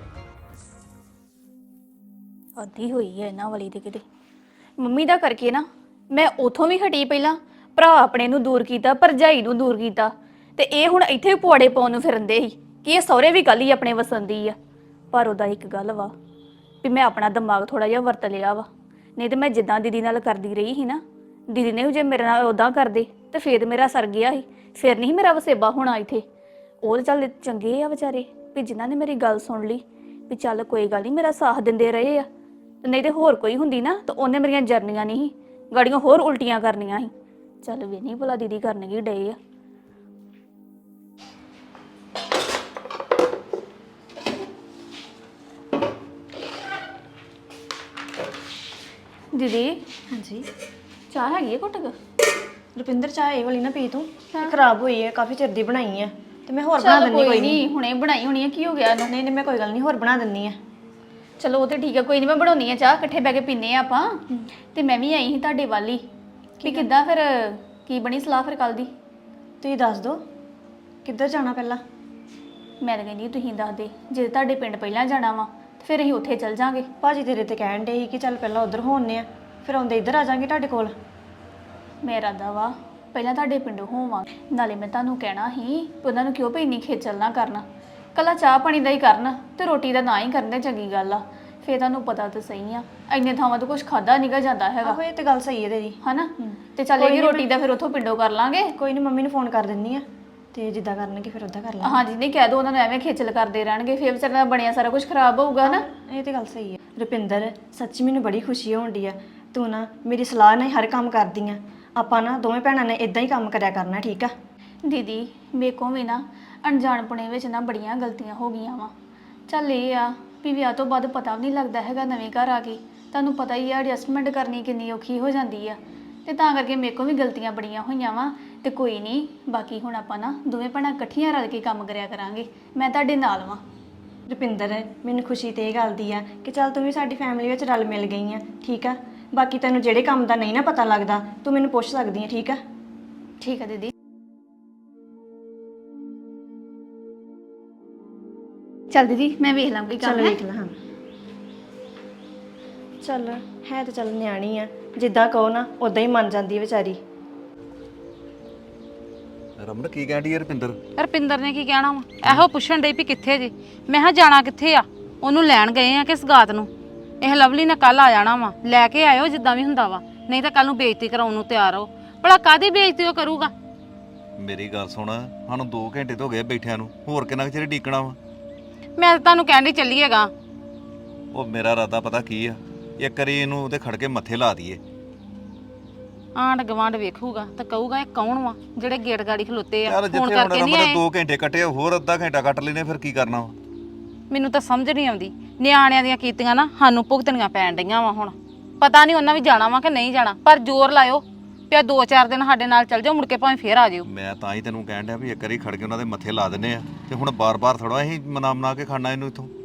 Speaker 3: ਅੱਧੀ ਹੋਈ ਹੈ ਇਹਨਾਂ ਵਾਲੀ ਤੇ ਕਿਤੇ ਮੰਮੀ ਦਾ ਕਰਕੇ ਨਾ ਮੈਂ ਉਥੋਂ ਵੀ ਹਟੀ ਪਹਿਲਾਂ ਭਰਾ ਆਪਣੇ ਨੂੰ ਦੂਰ ਕੀਤਾ ਭਰਜਾਈ ਨੂੰ ਦੂਰ ਕੀਤਾ ਤੇ ਇਹ ਹੁਣ ਇੱਥੇ ਪੁਆੜੇ ਪਾਉਣ ਨੂੰ ਫਿਰਦੇ ਸੀ ਕਿ ਇਹ ਸਹੁਰੇ ਵੀ ਕੱਲ ਹੀ ਆਪਣੇ ਵਸੰਦੀ ਆ। ਪਰ ਉਹਦਾ ਇੱਕ ਗੱਲ ਵਾ ਵੀ ਮੈਂ ਆਪਣਾ ਦਿਮਾਗ ਥੋੜਾ ਜਿਹਾ ਵਰਤ ਲਿਆ ਵਾ, ਨਹੀਂ ਤੇ ਮੈਂ ਜਿੱਦਾਂ ਦੀਦੀ ਨਾਲ ਕਰਦੀ ਰਹੀ ਸੀ ਨਾ, ਦੀਦੀ ਨੇ ਜੇ ਮੇਰੇ ਨਾਲ ਉਦਾਂ ਕਰਦੇ ਤੇ ਫੇਰ ਮੇਰਾ ਸਰ ਗਿਆ ਸੀ, ਫਿਰ ਨਹੀਂ ਮੇਰਾ ਵਸੇਬਾ ਹੋਣਾ ਇੱਥੇ। ਉਹ ਚੱਲ ਚੰਗੇ ਆ ਵਿਚਾਰੇ ਵੀ ਜਿਨ੍ਹਾਂ ਨੇ ਮੇਰੀ ਗੱਲ ਸੁਣ ਲਈ ਵੀ ਚੱਲ ਕੋਈ ਗੱਲ ਨਹੀਂ ਮੇਰਾ ਸਾਥ ਦਿੰਦੇ ਰਹੇ ਆ, ਨਹੀਂ ਤੇ ਹੋਰ ਕੋਈ ਹੁੰਦੀ ਨਾ ਤਾਂ ਉਹਨੇ ਮੇਰੀਆਂ ਜਰਨੀਆਂ ਨਹੀਂ ਸੀ ਗਾੜੀਆਂ ਹੋਰ ਉਲਟੀਆਂ ਕਰਨੀਆਂ ਸੀ। ਚੱਲ ਵੀ ਨਹੀਂ ਭਲਾ ਦੀਦੀ ਕਰਨ ਕੀ ਡਏ ਆ। ਦੀਦੀ
Speaker 9: ਹਾਂਜੀ
Speaker 3: ਚਾਹ ਹੈਗੀ ਹੈ ਘੁੱਟ ਕੇ?
Speaker 9: ਰੁਪਿੰਦਰ ਚਾਹ ਇਹ ਵਾਲੀ ਨਾ ਪੀ ਤੂੰ ਇਹ ਖਰਾਬ ਹੋਈ ਹੈ ਕਾਫੀ ਚਿਰ ਦੀ ਬਣਾਈ ਹੈ ਤੇ ਮੈਂ ਹੋਰ ਬਣਾ ਦਿੰਨੀ
Speaker 3: ਕੋਈ ਨਹੀਂ ਹੁਣੇ ਬਣਾਈ ਹੋਣੀ ਹੈ ਕੀ ਹੋ ਗਿਆ ਇਹਨੂੰ?
Speaker 9: ਨਹੀਂ ਮੈਂ ਕੋਈ ਗੱਲ ਨਹੀਂ ਹੋਰ ਬਣਾ ਦਿੰਨੀ ਆ।
Speaker 3: ਚਲੋ ਉਹ ਤੇ ਠੀਕ ਹੈ ਕੋਈ ਨਹੀਂ ਮੈਂ ਬਣਾਉਣੀ ਆ ਚਾਹ ਇਕੱਠੇ ਬਹਿ ਕੇ ਪੀਨੇ ਆ ਆਪਾਂ। ਤੇ ਮੈਂ ਵੀ ਆਈ ਸੀ ਤੁਹਾਡੇ ਵੱਲ ਹੀ ਵੀ ਕਿੱਦਾਂ ਫਿਰ ਕੀ ਬਣੀ ਸਲਾਹ ਫਿਰ ਕੱਲ ਦੀ?
Speaker 9: ਤੁਸੀਂ ਦੱਸ ਦਿਓ ਕਿੱਧਰ ਜਾਣਾ ਪਹਿਲਾਂ।
Speaker 3: ਮੈਂ ਤਾਂ ਕਹਿੰਦੀ ਤੁਸੀਂ ਦੱਸ ਦੇ ਜੇ ਤੁਹਾਡੇ ਪਿੰਡ ਪਹਿਲਾਂ ਜਾਣਾ ਵਾ ਤੇ ਫਿਰ ਅਸੀਂ ਉੱਥੇ ਚੱਲ ਜਾਾਂਗੇ।
Speaker 9: ਭਾਜੀ ਤੇਰੇ ਤੇ ਕਹਿਣ ਡੇ ਸੀ ਕਿ ਚੱਲ ਪਹਿਲਾਂ ਉਧਰ ਹੋਣੇ ਆ ਫਿਰ ਆਉਂਦੇ ਇੱਧਰ ਆ ਜਾਾਂਗੇ ਤੁਹਾਡੇ ਕੋਲ।
Speaker 3: ਮੇਰਾ ਦਾ ਵਾ ਪਹਿਲਾਂ ਤੁਹਾਡੇ ਪਿੰਡੋਂ ਹੋਵਾਂ ਨਾਲੇ ਮੈਂ ਤੁਹਾਨੂੰ ਕਹਿਣਾ ਸੀ ਉਹਨਾਂ ਨੂੰ ਕਿਉਂ ਭਈ ਇੰਨੀ ਖੇਚਲ ਨਾ ਕਰਨਾ, ਕੱਲਾ ਚਾਹ ਪਾਣੀ ਦਾ ਹੀ ਕਰਨ ਤੇ ਰੋਟੀ ਦਾ ਨਾ ਹੀ ਕਰਨ ਤੇ ਚੰਗੀ ਗੱਲ ਆ। ਫੇਰ ਤੁਹਾਨੂੰ ਪਤਾ ਤਾਂ ਸਹੀ ਆ ਇੰਨੇ ਥਾਵਾਂ ਤੋਂ ਕੁਝ ਖਾਦਾ ਨਿਕਲ ਜਾਂਦਾ ਹੈਗਾ।
Speaker 9: ਆਹੋ ਇਹ ਤੇ ਗੱਲ ਸਹੀ ਹੈ ਤੇਰੀ
Speaker 3: ਹਨਾ ਤੇ ਚੱਲ ਇਹ ਰੋਟੀ ਦਾ ਫਿਰ ਉੱਥੋਂ ਪਿੰਡੋਂ ਕਰ ਲਾਂਗੇ।
Speaker 9: ਕੋਈ ਨਹੀਂ ਮੰਮੀ ਨੂੰ ਫੋਨ ਕਰ ਦਿੰਨੀ ਆ ਤੇ ਜਿੱਦਾਂ ਕਰਨਗੇ ਫਿਰ ਉਦਾਂ ਕਰ ਲਾਂਗੇ।
Speaker 3: ਹਾਂਜੀ ਨਹੀਂ ਕਹਿ ਦੋ ਉਹਨਾਂ ਨੂੰ ਐਵੇਂ ਖੇਚਲ ਕਰਦੇ ਰਹਿਣਗੇ ਫੇਰ ਵਿਚਾਰਿਆਂ ਦਾ ਬਣਿਆ ਸਾਰਾ ਕੁਝ ਖਰਾਬ ਹੋਊਗਾ ਨਾ।
Speaker 9: ਇਹ ਤੇ ਗੱਲ ਸਹੀ ਹੈ ਰੁਪਿੰਦਰ ਸੱਚੀ ਮੈਨੂੰ ਬੜੀ ਖੁਸ਼ੀ ਹੋਣ ਡਈ ਆ ਤੂੰ ਨਾ ਮੇਰੀ ਸਲਾਹ ਨਾਲ ਹਰ ਕੰਮ ਕਰਦੀ ਆ। ਆਪਾਂ ਨਾ ਦੋਵੇਂ ਭੈਣਾਂ ਨੇ ਇਦਾਂ ਹੀ ਕੰਮ ਕਰਿਆ ਕਰਨਾ ਠੀਕ ਆ।
Speaker 3: ਦੀਦੀ ਮੇਰੇ ਕੋਲ ਵੀ ਨਾ ਅਣਜਾਣਪੁਣੇ ਵਿੱਚ ਨਾ ਬੜੀਆਂ ਗਲਤੀਆਂ ਹੋ ਗਈਆਂ ਵਾ। ਚੱਲ ਇਹ ਆ ਵੀ ਵਿਆਹ ਤੋਂ ਬਾਅਦ ਪਤਾ ਵੀ ਨਹੀਂ ਲੱਗਦਾ ਹੈਗਾ ਨਵੇਂ ਘਰ ਆ ਕੇ ਤੁਹਾਨੂੰ ਪਤਾ ਹੀ ਆ ਐਡਜਸਟਮੈਂਟ ਕਰਨੀ ਕਿੰਨੀ ਔਖੀ ਹੋ ਜਾਂਦੀ ਆ ਤੇ ਤਾਂ ਕਰਕੇ ਮੇਰੇ ਕੋਲ ਵੀ ਗਲਤੀਆਂ ਬੜੀਆਂ ਹੋਈਆਂ ਵਾ। ਤੇ ਕੋਈ ਨਹੀਂ ਬਾਕੀ ਹੁਣ ਆਪਾਂ ਨਾ ਦੋਵੇਂ ਭੈਣਾਂ ਇਕੱਠੀਆਂ ਰਲ ਕੇ ਕੰਮ ਕਰਿਆ ਕਰਾਂਗੇ ਮੈਂ ਤੁਹਾਡੇ ਨਾਲ ਵਾਂ।
Speaker 9: ਰੁਪਿੰਦਰ ਮੈਨੂੰ ਖੁਸ਼ੀ ਤੇ ਇਹ ਗੱਲ ਦੀ ਆ ਕਿ ਚੱਲ ਤੂੰ ਵੀ ਸਾਡੀ ਫੈਮਿਲੀ ਵਿੱਚ ਰਲ ਮਿਲ ਗਈ ਆ ਠੀਕ ਆ। ਬਾਕੀ ਤੈਨੂੰ ਜਿਹੜੇ ਕੰਮ ਦਾ ਨਹੀਂ ਨਾ ਪਤਾ ਲੱਗਦਾ ਤੂੰ ਮੈਨੂੰ ਪੁੱਛ ਸਕਦੀ ਆ ਠੀਕ ਆ।
Speaker 3: ਠੀਕ ਆ ਦੀਦੀ। ਚੱਲ ਦੀਦੀ ਮੈਂ ਵੇਖ ਲਾਂ ਕੋਈ ਕੰਮ
Speaker 9: ਚੱਲ
Speaker 3: ਹੈ।
Speaker 9: ਵੇਖ ਲੈ ਹਾਂ ਚੱਲ ਹੈ ਤੇ ਚੱਲ ਨਿਆਣੀ ਆ ਜਿੱਦਾਂ ਕਹੋ ਨਾ ਉਦਾਂ ਹੀ ਮੰਨ ਜਾਂਦੀ ਹੈ ਵਿਚਾਰੀ।
Speaker 8: ਰਮਨ ਕੀ ਕਹਿੰਦੀ ਹੈ ਰੁਪਿੰਦਰ?
Speaker 1: ਰਪਿੰਦਰ ਨੇ ਕੀ ਕਹਿਣਾ ਵਾ ਇਹੋ ਪੁੱਛਣ ਡਈ ਵੀ ਕਿੱਥੇ ਜੇ। ਮੈਂ ਕਿਹਾ ਜਾਣਾ ਕਿੱਥੇ ਆ, ਉਹਨੂੰ ਲੈਣ ਗਏ ਆ ਕਿ ਸਗਾਤ ਨੂੰ। ਇਹ ਲਵਲੀ ਨੇ ਕੱਲ ਆ ਜਾਣਾ ਵਾ, ਲੈ ਕੇ ਆਇਓ ਜਿੱਦਾਂ ਵੀ ਹੁੰਦਾ ਵਾ, ਨਹੀਂ ਤਾਂ ਕੱਲ ਨੂੰ ਬੇਇੱਜ਼ਤੀ ਕਰਾਉਣ ਨੂੰ ਤਿਆਰ ਹੋ। ਭਲਾ ਕਾਹਦੀ ਬੇਇੱਜ਼ਤੀ ਉਹ ਕਰੂਗਾ?
Speaker 8: ਮੇਰੀ ਗੱਲ ਸੁਣ, ਸਾਨੂੰ 2 ਘੰਟੇ ਤੋਂ ਹੋ ਗਏ ਬੈਠਿਆਂ ਨੂੰ, ਹੋਰ ਕਿੰਨਾ ਕੁ ਚਿਰ ਡੀਕਣਾ ਵਾ?
Speaker 1: ਮੈਂ ਤਾਂ ਤੁਹਾਨੂੰ ਕਹਿਣ ਡਈ ਚੱਲੀਏਗਾ।
Speaker 8: ਉਹ ਮੇਰਾ ਇਰਾਦਾ ਪਤਾ ਕੀ ਆ, ਇੱਕ ਵਾਰੀ ਇਹਨੂੰ ਉਹਦੇ ਖੜ ਕੇ ਮੱਥੇ ਲਾ ਦਈਏ।
Speaker 1: ਆਂਢ ਗਵਾਂਢ ਵੇਖੂਗਾ ਤਾਂ ਕਹੂਗਾ ਇਹ ਕੌਣ ਵਾ ਜਿਹੜੇ ਗੇਟ ਗਾੜੀ ਖਲੋਤੇ ਆ
Speaker 8: ਯਾਰ
Speaker 1: ਫੋਨ
Speaker 8: ਜਿੱਥੇ
Speaker 1: ਕਰਕੇ
Speaker 8: ਹੁਣ
Speaker 1: ਨਹੀਂ
Speaker 8: ਰਮਨ
Speaker 1: ਆਏ।
Speaker 8: 2 ਘੰਟੇ ਕੱਟੇ, ਹੋਰ ਅੱਧਾ ਘੰਟਾ ਕੱਟ ਲੈਨੇ, ਫਿਰ ਕੀ ਕਰਨਾ ਵਾ?
Speaker 1: ਮੈਨੂੰ ਤਾਂ ਸਮਝ ਨਹੀਂ ਆਉਂਦੀ, ਨਿਆਣਿਆਂ ਦੀਆਂ ਕੀਤੀਆਂ ਨਾ ਸਾਨੂੰ ਭੁਗਤਣੀਆਂ ਪੈਣ ਡਈਆਂ ਵਾ। ਹੁਣ ਪਤਾ ਨਹੀਂ ਉਹਨਾਂ ਵੀ ਜਾਣਾ ਵਾ ਕਿ ਨਹੀਂ ਜਾਣਾ, ਪਰ ਜ਼ੋਰ ਲਾਇਓ ਪਿਆ 2-4 ਦਿਨ ਸਾਡੇ ਨਾਲ ਚੱਲ ਜਾਓ, ਮੁੜ ਕੇ ਭਾਵੇਂ ਫੇਰ ਆ ਜਿਓ।
Speaker 8: ਮੈਂ ਤਾਂ ਹੀ ਤੈਨੂੰ ਕਹਿਣ ਡਿਆ ਵੀ ਇੱਕ ਵਾਰੀ ਖੜ ਕੇ ਉਹਨਾਂ ਦੇ ਮੱਥੇ ਲਾ ਦਿੰਨੇ ਆ, ਤੇ ਹੁਣ ਬਾਰ-ਬਾਰ ਥੋੜਾ ਅਸੀਂ ਮਨਾ ਕੇ ਖਾਣਾ ਇਹਨੂੰ ਇੱਥੋਂ।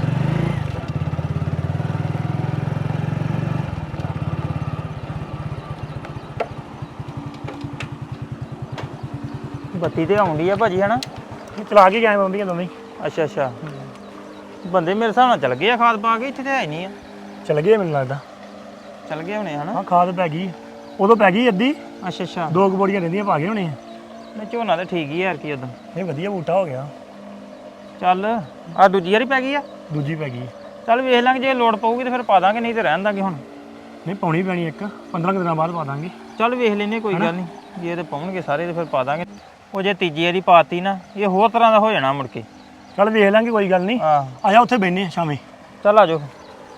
Speaker 6: ਬੱਤੀ ਤੇ ਆਉਂਦੀ ਆ ਭਾਜੀ ਹਨਾ?
Speaker 7: ਚਲਾ ਕੇ ਗਏ ਬੰਬੀਆਂ ਦੋਵੇਂ
Speaker 6: ਅੱਛਾ ਅੱਛਾ ਬੰਦੇ ਮੇਰੇ ਹਿਸਾਬ ਨਾਲ ਚੱਲ ਗਏ ਆ ਖਾਦ ਪਾ ਕੇ, ਇੱਥੇ ਤੇ ਹੈ ਨਹੀਂ ਆ।
Speaker 7: ਚਲ ਗਏ ਮੈਨੂੰ ਲੱਗਦਾ।
Speaker 6: ਚੱਲ ਗਏ ਹੋਣੇ ਹਨਾ?
Speaker 7: ਹਾਂ ਖਾਦ ਪੈ ਗਈ ਉਦੋਂ ਪੈ ਗਈ ਅੱਧੀ,
Speaker 6: ਅੱਛਾ ਅੱਛਾ
Speaker 7: 2 ਬੋਰੀਆਂ ਰਹਿੰਦੀਆਂ ਪਾ ਗਏ ਹੋਣੇ ਆ।
Speaker 6: ਨਹੀਂ ਝੋਨਾ ਤੇ ਠੀਕ ਹੀ ਯਾਰ ਕੀ ਉਦੋਂ।
Speaker 7: ਇਹ ਵਧੀਆ ਬੂਟਾ ਹੋ ਗਿਆ।
Speaker 6: ਚੱਲ ਆ ਦੂਜੀ ਵਾਰੀ ਪੈ ਗਈ ਆ?
Speaker 7: ਦੂਜੀ ਪੈ ਗਈ।
Speaker 6: ਚੱਲ ਵੇਖ ਲਾਂਗੇ, ਜੇ ਲੋੜ ਪਊਗੀ ਤੇ ਫਿਰ ਪਾ ਦਾਂਗੇ, ਨਹੀਂ ਤੇ ਰਹਿਣ ਦਾਂਗੇ ਹੁਣ।
Speaker 7: ਨਹੀਂ ਪਾਉਣੀ ਪੈਣੀ ਇੱਕ 15 ਦਿਨਾਂ ਬਾਅਦ ਪਾ ਦਾਂਗੇ।
Speaker 6: ਚੱਲ ਵੇਖ ਲੈਨੇ ਕੋਈ ਗੱਲ ਨਹੀਂ, ਜੇ ਤੇ ਪਾਉਣਗੇ ਸਾਰੇ ਤੇ ਫਿਰ ਪਾ ਦਾਂਗੇ। ਉਹ ਜੇ ਤੀਜੀ ਵਾਰੀ ਪਾਤੀ ਨਾ ਇਹ ਹੋਰ ਤਰ੍ਹਾਂ ਦਾ ਹੋ ਜਾਣਾ ਮੁੜ ਕੇ।
Speaker 7: ਚੱਲ ਵੇਖ ਲਾਂਗੇ ਕੋਈ ਗੱਲ ਨਹੀਂ।
Speaker 6: ਆਹ
Speaker 7: ਆ ਜਾ ਉੱਥੇ ਬੈਠਨੇ ਆ ਸ਼ਾਮੇ।
Speaker 6: ਚੱਲ ਆ ਜਾਓ।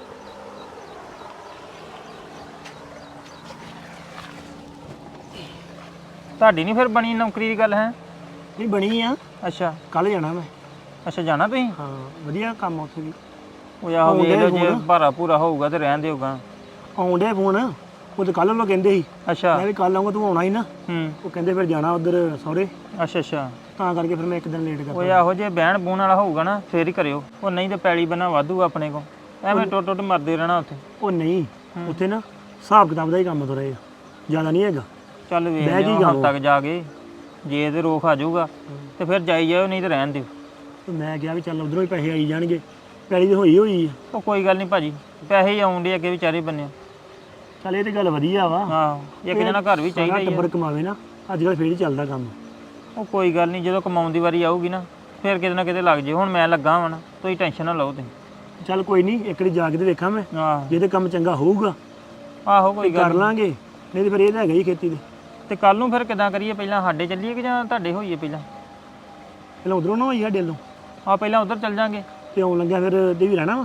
Speaker 6: ਤੁਹਾਡੀ ਨਹੀਂ ਫਿਰ ਬਣੀ ਨੌਕਰੀ ਦੀ ਗੱਲ ਹੈ?
Speaker 7: ਨਹੀਂ ਬਣੀ ਆ,
Speaker 6: ਅੱਛਾ
Speaker 7: ਕੱਲ ਜਾਣਾ ਮੈਂ।
Speaker 6: ਅੱਛਾ ਜਾਣਾ ਤੁਸੀਂ?
Speaker 7: ਹਾਂ ਵਧੀਆ ਕੰਮ ਆ ਉੱਥੇ ਵੀ।
Speaker 6: ਉਹ ਆਹੋ ਵੇਖ ਲਓ, ਜੇ ਭਾਰਾ ਭੂਰਾ ਹੋਊਗਾ ਤੇ ਰਹਿਣ ਦਿਓਗਾ।
Speaker 7: ਆਉਂਦੇ ਫੋਨ ਉਹ ਤਾਂ ਕੱਲ ਉਹ ਕਹਿੰਦੇ ਸੀ
Speaker 6: ਅੱਛਾ
Speaker 7: ਮੈਂ ਵੀ ਕੱਲ ਆਉਂਗਾ, ਤੂੰ ਆਉਣਾ ਹੀ ਨਾ।
Speaker 6: ਹੂੰ
Speaker 7: ਉਹ ਕਹਿੰਦੇ ਫਿਰ ਜਾਣਾ ਉਧਰ ਸਹੁਰੇ,
Speaker 6: ਅੱਛਾ ਅੱਛਾ
Speaker 7: ਤਾਂ ਕਰਕੇ ਫਿਰ ਮੈਂ ਇੱਕ ਦਿਨ ਲੇਟ
Speaker 6: ਉਹ
Speaker 7: ਕਰਤਾ।
Speaker 6: ਆਹੋ ਜੇ ਬਹਿਣ ਬੂਣ ਵਾਲਾ ਹੋਊਗਾ ਨਾ ਫੇਰ ਹੀ ਕਰਿਓ, ਉਹ ਨਹੀਂ ਤੇ ਪੈਲੀ ਬਣਾ ਵਾਧੂ ਆਪਣੇ ਕੋ, ਐਵੇਂ ਟੁੱਟ ਟੁੱਟ ਮਰਦੇ ਰਹਿਣਾ ਉੱਥੇ।
Speaker 7: ਉਹ ਨਹੀਂ ਉੱਥੇ ਨਾ ਹਿਸਾਬ ਕਿਤਾਬ ਦਾ ਹੀ ਕੰਮ ਤੁਰੇ ਆ, ਜ਼ਿਆਦਾ ਨਹੀਂ ਹੈਗਾ।
Speaker 6: ਚੱਲ ਵੇਖ
Speaker 7: ਬਹਿ
Speaker 6: ਲਿਓ
Speaker 7: ਕੀ
Speaker 6: ਹਫ਼ਤਾ ਤੱਕ ਜਾ ਕੇ ਜੇ ਤੇ ਰੋਖ ਆ ਜਾਊਗਾ ਤੇ ਫਿਰ ਜਾਈ ਜਾਓ ਨਹੀਂ ਤੇ ਰਹਿਣ ਦਿਓ।
Speaker 7: ਤੇ ਮੈਂ ਕਿਹਾ ਵੀ ਚੱਲ ਉਧਰੋਂ ਹੀ ਪੈਸੇ ਆਈ ਜਾਣਗੇ, ਪੈਲੀ ਤੇ ਹੋਈ ਹੋਈ ਆ।
Speaker 6: ਉਹ ਕੋਈ ਗੱਲ ਨਹੀਂ ਭਾਜੀ, ਪੈਸੇ ਹੀ ਆਉਂਦੇ ਅੱਗੇ ਵਿਚਾਰੇ ਬੰਨੇ।
Speaker 7: ਚੱਲ ਇਹ ਤੇ ਗੱਲ ਵਧੀਆ ਵਾ,
Speaker 6: ਆਹ ਇੱਕ ਜਣਾ ਘਰ ਵੀ ਚਾਹੀਦਾ ਹੀ ਆ।
Speaker 7: ਟੱਬਰ ਕਮਾਵੇ ਨਾ, ਅੱਜ ਕੱਲ੍ਹ ਫੇਰ ਹੀ ਚੱਲਦਾ ਕੰਮ।
Speaker 6: ਉਹ ਕੋਈ ਗੱਲ ਨਹੀਂ, ਜਦੋਂ ਕਮਾਉਣ ਦੀ ਵਾਰੀ ਆਊਗੀ ਨਾ ਫਿਰ ਕਿਤੇ ਨਾ ਕਿਤੇ ਲੱਗ ਜੇ। ਹੁਣ ਮੈਂ ਲੱਗਾ ਵਾਂ ਨਾ, ਤੁਸੀਂ ਟੈਨਸ਼ਨ ਨਾ ਲਓ ਤੁਸੀਂ।
Speaker 7: ਚੱਲ ਕੋਈ ਨਹੀਂ, ਇੱਕ ਵਾਰੀ ਜਾ ਕੇ ਤੇ ਵੇਖਾਂ ਮੈਂ,
Speaker 6: ਆਹ
Speaker 7: ਜੇ ਤੇ ਕੰਮ ਚੰਗਾ ਹੋਊਗਾ
Speaker 6: ਆਹੋ ਕੋਈ ਗੱਲ
Speaker 7: ਕਰ ਲਾਂਗੇ, ਨਹੀਂ ਤੇ ਫਿਰ ਇਹ ਤਾਂ ਹੈਗਾ ਹੀ ਖੇਤੀ ਦੇ।
Speaker 6: ਤੇ ਕੱਲ ਨੂੰ ਫਿਰ ਕਿੱਦਾਂ ਕਰੀਏ? ਪਹਿਲਾਂ ਸਾਡੇ ਚੱਲੀਏ ਕਿ ਜਾਂ ਤੁਹਾਡੇ ਹੋਈਏ ਪਹਿਲਾਂ?
Speaker 7: ਪਹਿਲਾਂ ਉਧਰੋਂ ਨਾ ਹੋਈ ਸਾਡੇ ਵੱਲੋਂ,
Speaker 6: ਆ ਪਹਿਲਾਂ ਉਧਰ ਚੱਲ ਜਾਾਂਗੇ
Speaker 7: ਤੇ ਆਉਣ ਲੱਗਿਆ ਫਿਰ ਤੇ ਵੀ ਰਹਿਣਾ ਵਾ।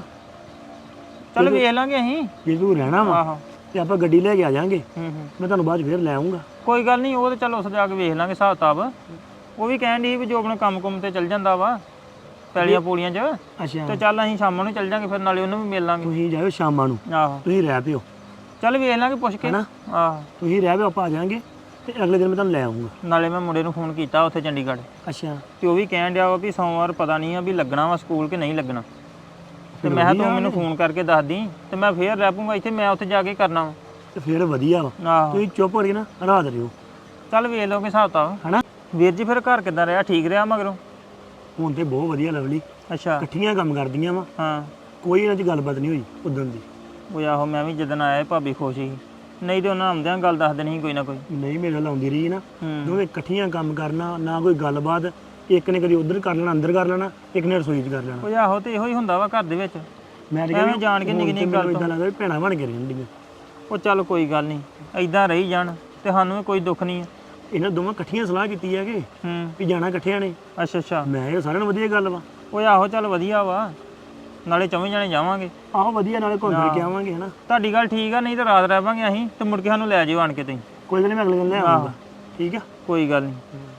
Speaker 6: ਚੱਲ ਵੇਖ ਲਾਂਗੇ ਅਸੀਂ।
Speaker 7: ਜੇ ਤੂੰ ਰਹਿਣਾ ਵਾ
Speaker 6: ਆਹੋ
Speaker 7: ਤੇ ਆਪਾਂ ਗੱਡੀ ਲੈ ਕੇ ਆ ਜਾਾਂਗੇ,
Speaker 6: ਹੂੰ
Speaker 7: ਮੈਂ ਤੁਹਾਨੂੰ ਬਾਅਦ 'ਚ ਫਿਰ ਲੈ ਆਉਂਗਾ।
Speaker 6: ਕੋਈ ਗੱਲ ਨਹੀਂ, ਉਹ ਤੇ ਚੱਲ ਉਸ ਜਾ ਕੇ ਵੇਖ ਲਾਂਗੇ ਹਿਸਾਬ ਕਿਤਾਬ। ਉਹ ਵੀ ਕਹਿਣ ਦੀ ਵੀ ਜੋ ਆਪਣੇ ਕੰਮ ਤੇ ਚੱਲ ਜਾਂਦਾ ਵਾ ਪੈਲੀਆਂ ਪੂਲੀਆਂ 'ਚ,
Speaker 7: ਅੱਛਾ,
Speaker 6: ਤੇ ਚੱਲ ਅਸੀਂ ਸ਼ਾਮਾਂ ਨੂੰ ਚੱਲ ਜਾਾਂਗੇ, ਫਿਰ ਨਾਲੇ ਉਹਨੂੰ ਵੀ ਮਿਲ ਲਾਂਗੇ।
Speaker 7: ਤੁਸੀਂ ਜਾਇਓ ਸ਼ਾਮਾਂ ਨੂੰ,
Speaker 6: ਆਹੋ
Speaker 7: ਤੁਸੀਂ ਰਹਿ ਪਿਓ,
Speaker 6: ਚੱਲ ਵੇਖ ਲਾਂਗੇ ਪੁੱਛ ਕੇ।
Speaker 7: ਹੈਨਾ?
Speaker 6: ਆਹੋ
Speaker 7: ਤੁਸੀਂ ਰਹਿ ਪਿਓ, ਆਪਾਂ ਆ ਜਾਾਂਗੇ ਤੇ ਅਗਲੇ ਦਿਨ ਮੈਂ ਤੁਹਾਨੂੰ ਲੈ ਆਉਂਗਾ।
Speaker 6: ਨਾਲੇ ਮੈਂ ਮੁੰਡੇ ਨੂੰ ਫੋਨ ਕੀਤਾ ਉੱਥੇ ਚੰਡੀਗੜ੍ਹ,
Speaker 7: ਅੱਛਾ,
Speaker 6: ਤੇ ਉਹ ਵੀ ਕਹਿਣ ਡਿਆ ਵਾ ਵੀ ਸੋਮਵਾਰ ਪਤਾ ਨਹੀਂ ਆ ਵੀ ਲੱਗਣਾ ਵਾ ਸਕੂਲ ਕਿ ਨਹੀਂ ਲੱਗਣਾ। ਤੇ ਮੈਂ ਕਿਹਾ ਤੂੰ ਮੈਨੂੰ ਫੋਨ ਕਰਕੇ ਦੱਸ ਦੀ, ਤੇ ਮੈਂ ਫੇਰ ਰਹਿ ਪੂੰਗਾ ਇੱਥੇ, ਮੈਂ ਉੱਥੇ ਜਾ ਕੇ ਕਰਨਾ ਵਾ।
Speaker 7: ਤੇ ਫਿਰ ਵਧੀਆ ਵਾ,
Speaker 6: ਆਹੋ
Speaker 7: ਤੁਸੀਂ ਚੁੱਪ ਕਰਕੇ ਨਾ ਰਾਤ ਰਿਓ,
Speaker 6: ਚੱਲ ਵੇਖ ਲਓਗੇ ਹਿਸਾਬ ਕਿਤਾਬ।
Speaker 7: ਹੈਨਾ?
Speaker 6: ਵੀਰ ਜੀ ਫਿਰ ਘਰ ਕਿੱਦਾਂ ਰਿਹਾ? ਠੀਕ ਰਿਹਾ ਮਗਰੋਂ?
Speaker 7: ਹੁਣ ਤੇ ਬਹੁਤ ਵਧੀਆ ਲਵਲੀ,
Speaker 6: ਅੱਛਾ
Speaker 7: ਇਕੱਠੀਆਂ ਕੰਮ ਕਰਦੀਆਂ ਵਾ,
Speaker 6: ਹਾਂ।
Speaker 7: ਕੋਈ ਇਹਨਾਂ 'ਚ ਗੱਲਬਾਤ ਨਹੀਂ ਹੋਈ ਉਦੋਂ ਦੀ।
Speaker 6: ਉਹ ਆਹੋ ਮੈਂ ਵੀ ਜਦੋਂ ਆਇਆ ਭਾਬੀ ਖੁਸ਼ ਸੀ, ਨਹੀਂ ਤੇ ਉਹਨਾਂ ਆਉਂਦਿਆਂ ਗੱਲ ਦੱਸ ਦੇਣੀ ਸੀ ਕੋਈ ਨਾ ਕੋਈ।
Speaker 7: ਨਹੀਂ ਮੇਰੇ ਨਾਲ ਆਉਂਦੀ ਰਹੀ ਨਾ,
Speaker 6: ਹੂੰ
Speaker 7: ਦੋਵੇਂ ਇਕੱਠੀਆਂ ਕੰਮ ਕਰਨਾ, ਨਾ ਕੋਈ ਗੱਲਬਾਤ, ਇੱਕ ਨੇ ਕਦੀ ਉਧਰ ਕਰ ਲੈਣਾ, ਅੰਦਰ ਕਰ ਲੈਣਾ, ਇੱਕ ਨੇ ਰਸੋਈ 'ਚ ਕਰ ਲੈਣਾ।
Speaker 6: ਉਹ ਆਹੋ ਤੇ ਇਹੋ ਹੀ ਹੁੰਦਾ ਵਾ ਘਰ ਦੇ ਵਿੱਚ।
Speaker 7: ਮੈਂ
Speaker 6: ਐਵੇਂ ਜਾਣ ਕੇ ਨਿੱਕੀ ਨਿੱਕੀ ਗੱਲ
Speaker 7: ਇਦਾਂ ਲੱਗਦਾ ਵੀ ਭੈਣਾਂ ਬਣ ਕੇ ਰਹਿੰਦੀਆਂ।
Speaker 6: ਉਹ ਚੱਲ ਕੋਈ ਗੱਲ ਨਹੀਂ, ਐਦਾਂ ਰਹੀ ਜਾਣ ਤੇ ਸਾਨੂੰ ਵੀ ਕੋਈ ਦੁੱਖ ਨਹੀਂ ਆ।
Speaker 7: ਇਹਨਾਂ ਦੋਵਾਂ ਇਕੱਠੀਆਂ ਸਲਾਹ ਕੀਤੀ ਹੈ ਕਿ
Speaker 6: ਹੂੰ
Speaker 7: ਵੀ ਜਾਣਾ ਇਕੱਠਿਆਂ ਨੇ।
Speaker 6: ਅੱਛਾ ਅੱਛਾ।
Speaker 7: ਮੈਂ ਇਹ ਸਾਰਿਆਂ ਨੂੰ ਵਧੀਆ ਗੱਲ ਵਾ।
Speaker 6: ਉਹ ਆਹੋ ਚੱਲ ਵਧੀਆ ਵਾ, ਨਾਲੇ ਚੌਵੇਂ ਜਾਣੇ ਜਾਵਾਂਗੇ।
Speaker 7: ਆਹੋ ਵਧੀਆ, ਨਾਲੇ ਘੁੰਮ ਫਿਰ ਕੇ ਆਵਾਂਗੇ, ਹਨਾ?
Speaker 6: ਤੁਹਾਡੀ ਗੱਲ ਠੀਕ ਆ, ਨਹੀਂ ਤਾਂ ਰਾਤ ਰਹਿ ਪਾਂਗੇ ਅਸੀਂ, ਤੇ ਮੁੜ ਕੇ ਸਾਨੂੰ ਲੈ ਜਿਓ ਆਣ ਕੇ ਤੁਸੀਂ।
Speaker 7: ਕੋਈ ਗੱਲ ਨਹੀਂ, ਮੈਂ ਅਗਲੇ ਦਿਨ ਲੈ ਆਉਂਗਾ, ਠੀਕ ਆ?
Speaker 6: ਕੋਈ ਗੱਲ ਨਹੀਂ।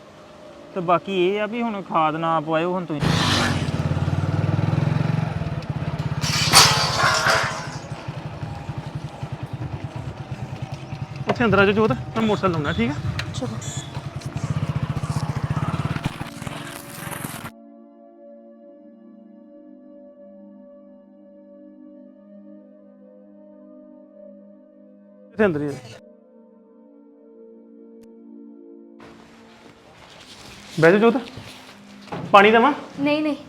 Speaker 6: ਤੇ ਬਾਕੀ ਇਹ ਆ ਵੀ ਹੁਣ ਖਾਦ ਨਾ ਪਵਾਇਓ ਹੁਣ ਤੁਸੀਂ।
Speaker 5: ਉੱਥੇ ਅੰਦਰ ਆ ਜਾ ਜੋਤ, ਮੈਂ ਮੋਟਰਸਾਈਕਲ ਲਾਉਣਾ, ਠੀਕ ਆ?
Speaker 3: ਚਲੋ
Speaker 5: ਇੱਥੇ ਅੰਦਰ ਹੀ ਆ ਜਾ। ਬਹਿ ਜਾ ਜੋਤ, ਪਾਣੀ ਦੇਵਾਂ?
Speaker 3: ਨਹੀਂ ਨਹੀਂ,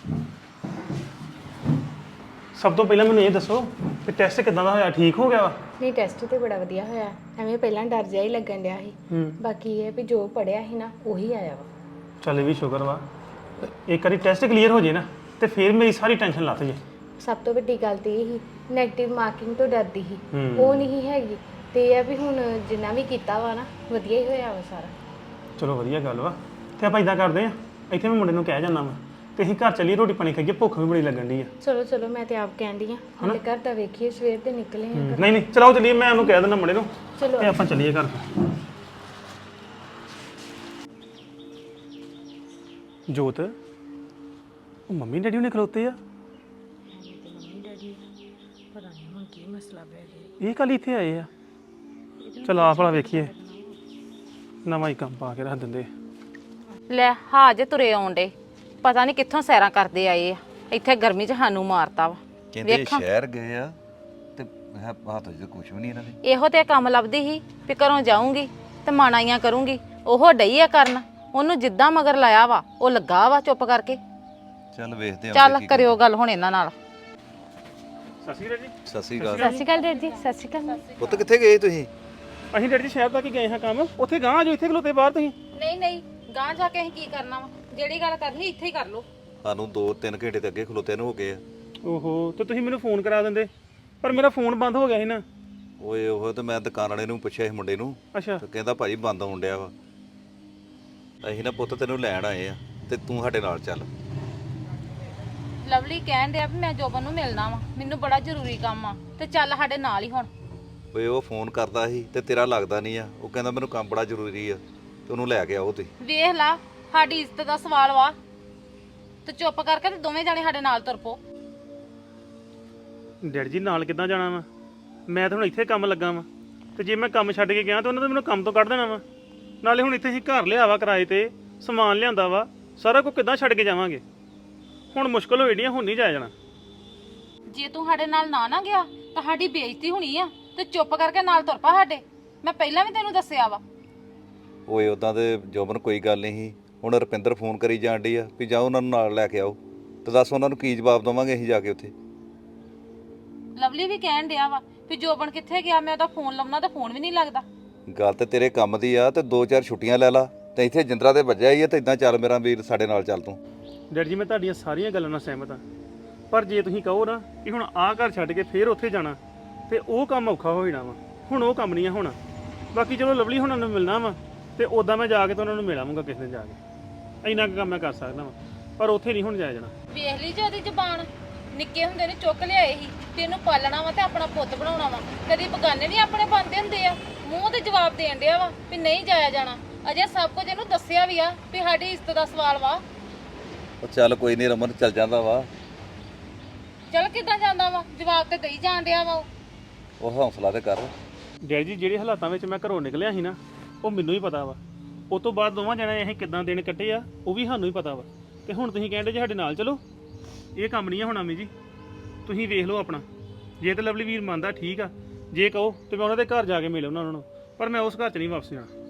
Speaker 5: ਸਭ ਤੋਂ ਪਹਿਲਾਂ ਮੈਨੂੰ ਇਹ ਦੱਸੋ ਕਿ ਟੈਸਟ ਕਿਦਾਂ ਦਾ ਹੋਇਆ? ਠੀਕ ਹੋ ਗਿਆ ਵਾ?
Speaker 10: ਨਹੀਂ ਟੈਸਟ ਤੇ ਬੜਾ ਵਧੀਆ ਹੋਇਆ, ਐਵੇਂ ਪਹਿਲਾਂ ਡਰ ਜਿਹਾ ਹੀ ਲੱਗਣ ਡਿਆ ਸੀ। ਬਾਕੀ ਇਹ ਵੀ ਜੋ ਪੜਿਆ ਸੀ ਨਾ ਉਹੀ ਆਇਆ ਵਾ।
Speaker 5: ਚੱਲ ਇਹ ਵੀ ਸ਼ੁਕਰ ਵਾ, ਇੱਕ ਵਾਰੀ ਟੈਸਟ ਕਲੀਅਰ ਹੋ ਜੇ ਨਾ ਤੇ ਫਿਰ ਮੇਰੀ ਸਾਰੀ ਟੈਨਸ਼ਨ ਲੱਥ ਜੇ।
Speaker 10: ਸਭ ਤੋਂ ਵੱਡੀ ਗੱਲ ਤੇ ਇਹ ਸੀ, ਨੈਗੇਟਿਵ ਮਾਰਕਿੰਗ ਤੋਂ ਡਰਦੀ ਸੀ, ਉਹ ਨਹੀਂ ਹੈਗੀ। ਤੇ ਇਹ ਆ ਵੀ ਹੁਣ ਜਿੰਨਾ ਵੀ ਕੀਤਾ ਵਾ ਨਾ ਵਧੀਆ ਹੀ ਹੋਇਆ ਵਾ ਸਾਰਾ।
Speaker 5: ਚਲੋ ਵਧੀਆ ਗੱਲ ਵਾ। ਤੇ ਆਪਾਂ ਇਦਾਂ ਕਰਦੇ ਆ, ਇੱਥੇ ਮੈਂ ਮੁੰਡੇ ਨੂੰ ਕਹਿ ਜਾਂਦਾ ਵਾ ਤੇ ਅਸੀਂ ਘਰ ਚੱਲੀਏ, ਰੋਟੀ ਪਾਣੀ ਖਾਈਏ, ਭੁੱਖ ਵੀ ਬੜੀ ਲੱਗਣ ਡਈ ਆ।
Speaker 10: ਚਲੋ ਚਲੋ, ਮੈਂ ਤੇ ਆਪ ਕਹਿੰਦੀ ਆ ਹੁਣ ਘਰ ਦਾ ਵੇਖੀਏ, ਸਵੇਰ ਦੇ ਨਿਕਲੇ ਆ।
Speaker 5: ਨਹੀਂ ਨਹੀਂ ਚਲੋ ਚੱਲੀਏ, ਮੈਂ ਉਹਨੂੰ ਕਹਿ ਦਿੰਦਾ ਮੁੰਡੇ ਨੂੰ
Speaker 10: ਚਲੋ
Speaker 5: ਤੇ ਆਪਾਂ ਚੱਲੀਏ ਘਰ। ਜੋਤ, ਉਹ ਮੰਮੀ ਡੈਡੀ ਉਹਨੇ ਖਲੋਤੇ ਆ।
Speaker 10: ਪਤਾ ਨਹੀਂ ਹੁਣ ਕੀ ਮਸਲਾ ਪੈ ਗਿਆ।
Speaker 5: ਇਹ ਕੱਲ ਇੱਥੇ ਆਏ ਆ? ਚਲ ਆਪ ਵਾਲਾ ਵੇਖੀਏ, ਨਵਾਂ ਹੀ ਕੰਮ ਪਾ ਕੇ ਰੱਖ ਦਿੰਦੇ।
Speaker 1: ਲੈ ਹਾਜੇ ਤੁਰੇ ਆਉਂਦੇ, ਪਤਾ ਨਹੀਂ ਕਿੱਥੋਂ ਸੈਰਾਂ ਕਰਦੇ ਆਏ ਆ, ਇੱਥੇ ਗਰਮੀ 'ਚ ਸਾਨੂੰ ਮਾਰਤਾ ਵਾ।
Speaker 8: ਕਹਿੰਦੇ ਸ਼ਹਿਰ ਗਏ ਆ ਤੇ ਮੈਂ ਹੱਥ 'ਚ ਕੁਝ ਵੀ ਨਹੀਂ ਇਹਨਾਂ ਦੇ।
Speaker 1: ਇਹੋ ਤੇ ਕੰਮ ਲੱਭਦੀ ਸੀ ਵੀ ਘਰੋਂ ਜਾਊਂਗੀ ਤੇ ਮਾਣਾਈਆਂ ਕਰੂੰਗੀ, ਉਹ ਡਈ ਆ ਕਰਨ। ਉਹਨੂੰ ਜਿੱਦਾਂ ਮਗਰ ਲਾਇਆ ਵਾ ਉਹ ਲੱਗਾ ਵਾ ਚੁੱਪ ਕਰਕੇ।
Speaker 8: ਚੱਲ ਵੇਖਦੇ ਆ।
Speaker 1: ਚੱਲ ਕਰਿਓ ਗੱਲ ਹੁਣ ਇਹਨਾਂ ਨਾਲ।
Speaker 5: ਸਤਿ ਸ਼੍ਰੀ ਅਕਾਲ ਜੀ।
Speaker 8: ਸਤਿ ਸ਼੍ਰੀ ਅਕਾਲ।
Speaker 10: ਸਤਿ ਸ਼੍ਰੀ ਅਕਾਲ ਡੈਡ ਜੀ। ਸਤਿ ਸ਼੍ਰੀ ਅਕਾਲ।
Speaker 8: ਪੁੱਤ ਕਿੱਥੇ ਗਏ ਤੁਸੀਂ?
Speaker 5: ਅਸੀਂ ਡੈਡੀ ਜੀ ਸ਼ਹਿਰ ਤੱਕ ਹੀ ਗਏ ਹਾਂ ਕੰਮ, ਉੱਥੇ ਗਾਂ ਆ ਜਾਓ, ਇੱਥੇ ਖਲੋਤੇ ਬਾਹਰ ਤੁਸੀਂ।
Speaker 1: ਨਹੀਂ ਨਹੀਂ, ਗਾਂ ਜਾ ਕੇ ਅਸੀਂ ਕੀ ਕਰਨਾ ਵਾ? ਜਿਹੜੀ ਗੱਲ ਕਰਨੀ ਇੱਥੇ ਹੀ ਕਰ ਲਓ।
Speaker 8: ਸਾਨੂੰ 2-3 ਘੰਟੇ ਤੇ ਅੱਗੇ ਖਲੋਤੇ ਨੂੰ ਹੋ ਗਏ ਆ।
Speaker 5: ਓਹੋ, ਤੇ ਤੁਸੀਂ ਮੈਨੂੰ ਫੋਨ ਕਰਾ ਦਿੰਦੇ, ਪਰ ਮੇਰਾ ਫੋਨ ਬੰਦ ਹੋ ਗਿਆ ਸੀ ਨਾ।
Speaker 8: ਓਏ ਉਹ ਤੇ ਮੈਂ ਦੁਕਾਨ ਵਾਲੇ ਨੂੰ ਪੁੱਛਿਆ ਸੀ ਮੁੰਡੇ ਨੂੰ,
Speaker 5: ਅੱਛਾ।
Speaker 8: ਤੇ ਕਹਿੰਦਾ ਭਾਜੀ ਬੰਦ ਹੋਣ ਡਿਆ ਵਾ। ਅਸੀਂ ਨਾ ਪੁੱਤ ਤੈਨੂੰ ਲੈਣ ਆਏ ਆ ਤੇ ਤੂੰ ਸਾਡੇ ਨਾਲ ਚੱਲ।
Speaker 1: ਲਵਲੀ ਕਹਿਣ ਡਿਆ ਵੀ ਮੈਂ ਜੋਬਨ ਨੂੰ ਮਿਲਣਾ ਵਾ, ਮੈਨੂੰ ਬੜਾ ਜ਼ਰੂਰੀ ਕੰਮ ਆ, ਤੇ ਚੱਲ ਸਾਡੇ ਨਾਲ ਹੀ ਹੁਣ।
Speaker 8: ਓਏ ਉਹ ਫੋਨ ਕਰਦਾ ਸੀ ਤੇ ਤੇਰਾ ਲੱਗਦਾ ਨਹੀਂ ਆ, ਉਹ ਕਹਿੰਦਾ ਮੈਨੂੰ ਕੰਮ ਬੜਾ ਜ਼ਰੂਰੀ ਆ ਤੇ ਉਹਨੂੰ ਲੈ ਕੇ ਆਓ ਤੁਸੀਂ।
Speaker 1: ਵੇਖ ਲਾ, ਸਾਡੀ ਇੱਜ਼ਤ ਦਾ ਸਵਾਲ ਵਾ, ਤੇ ਚੁੱਪ ਕਰਕੇ ਤੇ ਦੋਵੇਂ ਜਾਣੇ ਸਾਡੇ ਨਾਲ ਤੁਰ ਪੋ।
Speaker 5: ਡੈਡੀ ਜੀ ਨਾਲ ਕਿੱਦਾਂ ਜਾਣਾ ਵਾ? ਮੈਂ ਤਾਂ ਹੁਣ ਇੱਥੇ ਕੰਮ ਲੱਗਾ ਵਾ, ਤੇ ਜੇ ਮੈਂ ਕੰਮ ਛੱਡ ਕੇ ਗਿਆ ਤਾਂ ਉਹਨਾਂ ਨੇ ਮੈਨੂੰ ਕੰਮ ਤੋਂ ਕੱਢ ਦੇਣਾ ਵਾ। ਨਾਲੇ ਹੁਣ ਇੱਥੇ ਹੀ ਘਰ ਲਿਆ ਵਾ ਕਿਰਾਏ ਤੇ, ਸਮਾਨ ਲਿਆਂਦਾ ਵਾ, ਸਾਰਾ ਕੁਝ ਕਿੱਦਾਂ ਛੱਡ ਕੇ ਜਾਵਾਂਗੇ? ਹੁਣ ਮੁਸ਼ਕਲ ਹੋਈ ਹੁਣ ਨਹੀਂ ਜਾਇਆ ਜਾਣਾ।
Speaker 1: ਜੇ ਤੂੰ ਸਾਡੇ ਨਾਲ ਨਾ ਗਿਆ ਤਾਂ ਸਾਡੀ ਬੇਇੱਜ਼ਤੀ ਹੋਣੀ ਆ, ਤੇ ਚੁੱਪ ਕਰਕੇ ਨਾਲ ਤੁਰ ਪਾ ਸਾਡੇ। ਮੈਂ ਪਹਿਲਾਂ ਵੀ ਤੈਨੂੰ ਦੱਸਿਆ ਵਾ
Speaker 8: ਓਏ ਉਦਾਂ ਤੇ ਜੋਬਨ ਕੋਈ ਗੱਲ ਨਹੀਂ ਸੀ। ਹੁਣ ਰੁਪਿੰਦਰ ਫੋਨ ਕਰੀ ਜਾਣ ਡਈ ਆ ਵੀ ਜਾਓ ਉਹਨਾਂ ਨੂੰ ਨਾਲ ਲੈ ਕੇ ਆਓ, ਤੇ ਦੱਸ ਉਹਨਾਂ ਨੂੰ ਕੀ ਜਵਾਬ ਦੇਵਾਂਗੇ ਅਸੀਂ ਜਾ ਕੇ ਉੱਥੇ।
Speaker 1: ਲਵਲੀ ਵੀ ਕਹਿਣ ਡਿਆ ਵਾ ਵੀ ਜੋਬਨ ਕਿੱਥੇ ਗਿਆ, ਮੈਂ ਉਹਦਾ ਫੋਨ ਲਾਉਣਾ ਤਾਂ ਫੋਨ ਵੀ ਨਹੀਂ ਲੱਗਦਾ।
Speaker 8: ਗੱਲ ਤੇ ਤੇਰੇ ਕੰਮ ਦੀ ਆ, ਤੇ 2-4 ਛੁੱਟੀਆਂ ਲੈ ਲਾ, ਤੇ ਇੱਥੇ ਜਿੰਦਰਾ ਤੇ ਵੱਜਿਆ ਹੀ ਆ, ਤੇ ਇਦਾਂ ਚੱਲ ਮੇਰਾ ਵੀਰ ਸਾਡੇ ਨਾਲ ਚੱਲ ਤੂੰ।
Speaker 5: ਡੈਡੀ ਜੀ ਮੈਂ ਤੁਹਾਡੀਆਂ ਸਾਰੀਆਂ ਗੱਲਾਂ ਨਾਲ ਸਹਿਮਤ ਹਾਂ, ਪਰ ਜੇ ਤੁਸੀਂ ਕਹੋ ਨਾ ਕਿ ਹੁਣ ਆਹ ਘਰ ਛੱਡ ਕੇ ਫੇਰ ਉੱਥੇ ਜਾਣਾ ਤੇ ਉਹ ਕੰਮ ਔਖਾ ਹੋ ਜਾਣਾ ਵਾ। ਹੁਣ ਉਹ ਕੰਮ ਨਹੀਂ ਆ ਹੋਣਾ। ਬਾਕੀ ਚਲੋ ਲਵਲੀ ਹੁਣਾਂ ਨੂੰ ਮਿਲਣਾ ਵਾ ਤੇ ਉਦਾਂ ਮੈਂ ਜਾ ਕੇ ਤਾਂ ਉਹਨਾਂ ਨੂੰ ਮਿਲਾਂਗਾ ਕਿਸੇ ਦਿਨ ਜਾ ਕੇ। ਇੰਨਾ ਕੁ ਕੰਮ ਮੈਂ ਕਰ ਸਕਦਾ ਵਾ, ਪਰ ਉੱਥੇ ਨਹੀਂ ਹੁਣ ਜਾਇਆ ਜਾਣਾ।
Speaker 1: ਵੇਖ ਲਈ ਜੇ ਉਹਦੀ ਜ਼ਬਾਨ, ਨਿੱਕੇ ਹੁੰਦੇ ਨੇ ਚੁੱਕ ਲਿਆਏ ਸੀ ਤੇ ਇਹਨੂੰ ਪਾਲਣਾ ਵਾ ਤੇ ਆਪਣਾ ਪੁੱਤ ਬਣਾਉਣਾ ਵਾ। ਕਦੀ ਬਗਾਨੇ ਨਹੀਂ ਆਪਣੇ ਬਣਦੇ ਹੁੰਦੇ ਆ। ਮੂੰਹ ਤੇ ਜਵਾਬ ਦੇਣ ਡਿਆ ਵਾ ਵੀ ਨਹੀਂ ਜਾਇਆ ਜਾਣਾ। ਅਜੇ ਸਭ ਕੁਝ ਇਹਨੂੰ ਦੱਸਿਆ ਵੀ ਆ ਵੀ ਸਾਡੀ ਇੱਜ਼ਤ ਦਾ ਸਵਾਲ ਵਾ।
Speaker 8: ਉਹ ਚੱਲ ਕੋਈ ਨਹੀਂ ਰਮਨ, ਚੱਲ ਜਾਂਦਾ ਵਾ।
Speaker 1: ਚੱਲ ਕਿੱਦਾਂ ਜਾਂਦਾ ਵਾ, ਜਵਾਬ ਤੇ ਦੇਈ ਜਾਣ ਡਿਆ ਵਾ
Speaker 8: ਉਹ ਹੌਸਲਾ ਤੇ ਕਰ।
Speaker 5: ਡੈਡੀ ਜੀ ਜਿਹੜੇ ਹਾਲਾਤਾਂ ਵਿੱਚ ਮੈਂ ਘਰੋਂ ਨਿਕਲਿਆ ਸੀ ਨਾ, ਉਹ ਮੈਨੂੰ ਹੀ ਪਤਾ ਵਾ। ਉਸ ਤੋਂ ਬਾਅਦ ਦੋਵਾਂ ਜਣੇ ਅਸੀਂ ਕਿੱਦਾਂ ਦਿਨ ਕੱਟੇ ਆ ਉਹ ਵੀ ਸਾਨੂੰ ਹੀ ਪਤਾ ਵਾ। ਤੇ ਹੁਣ ਤੁਸੀਂ ਕਹਿੰਦੇ ਜੇ ਸਾਡੇ ਨਾਲ ਚਲੋ, ਇਹ ਕੰਮ ਨਹੀਂ ਆ ਹੋਣਾ। ਮੀ ਜੀ ਤੁਸੀਂ ਵੇਖ ਲਓ ਆਪਣਾ, ਜੇ ਤੇ ਲਵਲੀ ਵੀਰ ਮੰਨਦਾ ਠੀਕ ਆ, ਜੇ ਕਹੋ ਤੇ ਮੈਂ ਉਹਨਾਂ ਦੇ ਘਰ ਜਾ ਕੇ ਮਿਲ ਉਹਨਾਂ ਨੂੰ, ਪਰ ਮੈਂ ਉਸ ਘਰ 'ਚ ਨਹੀਂ ਵਾਪਸ ਜਾਣਾ।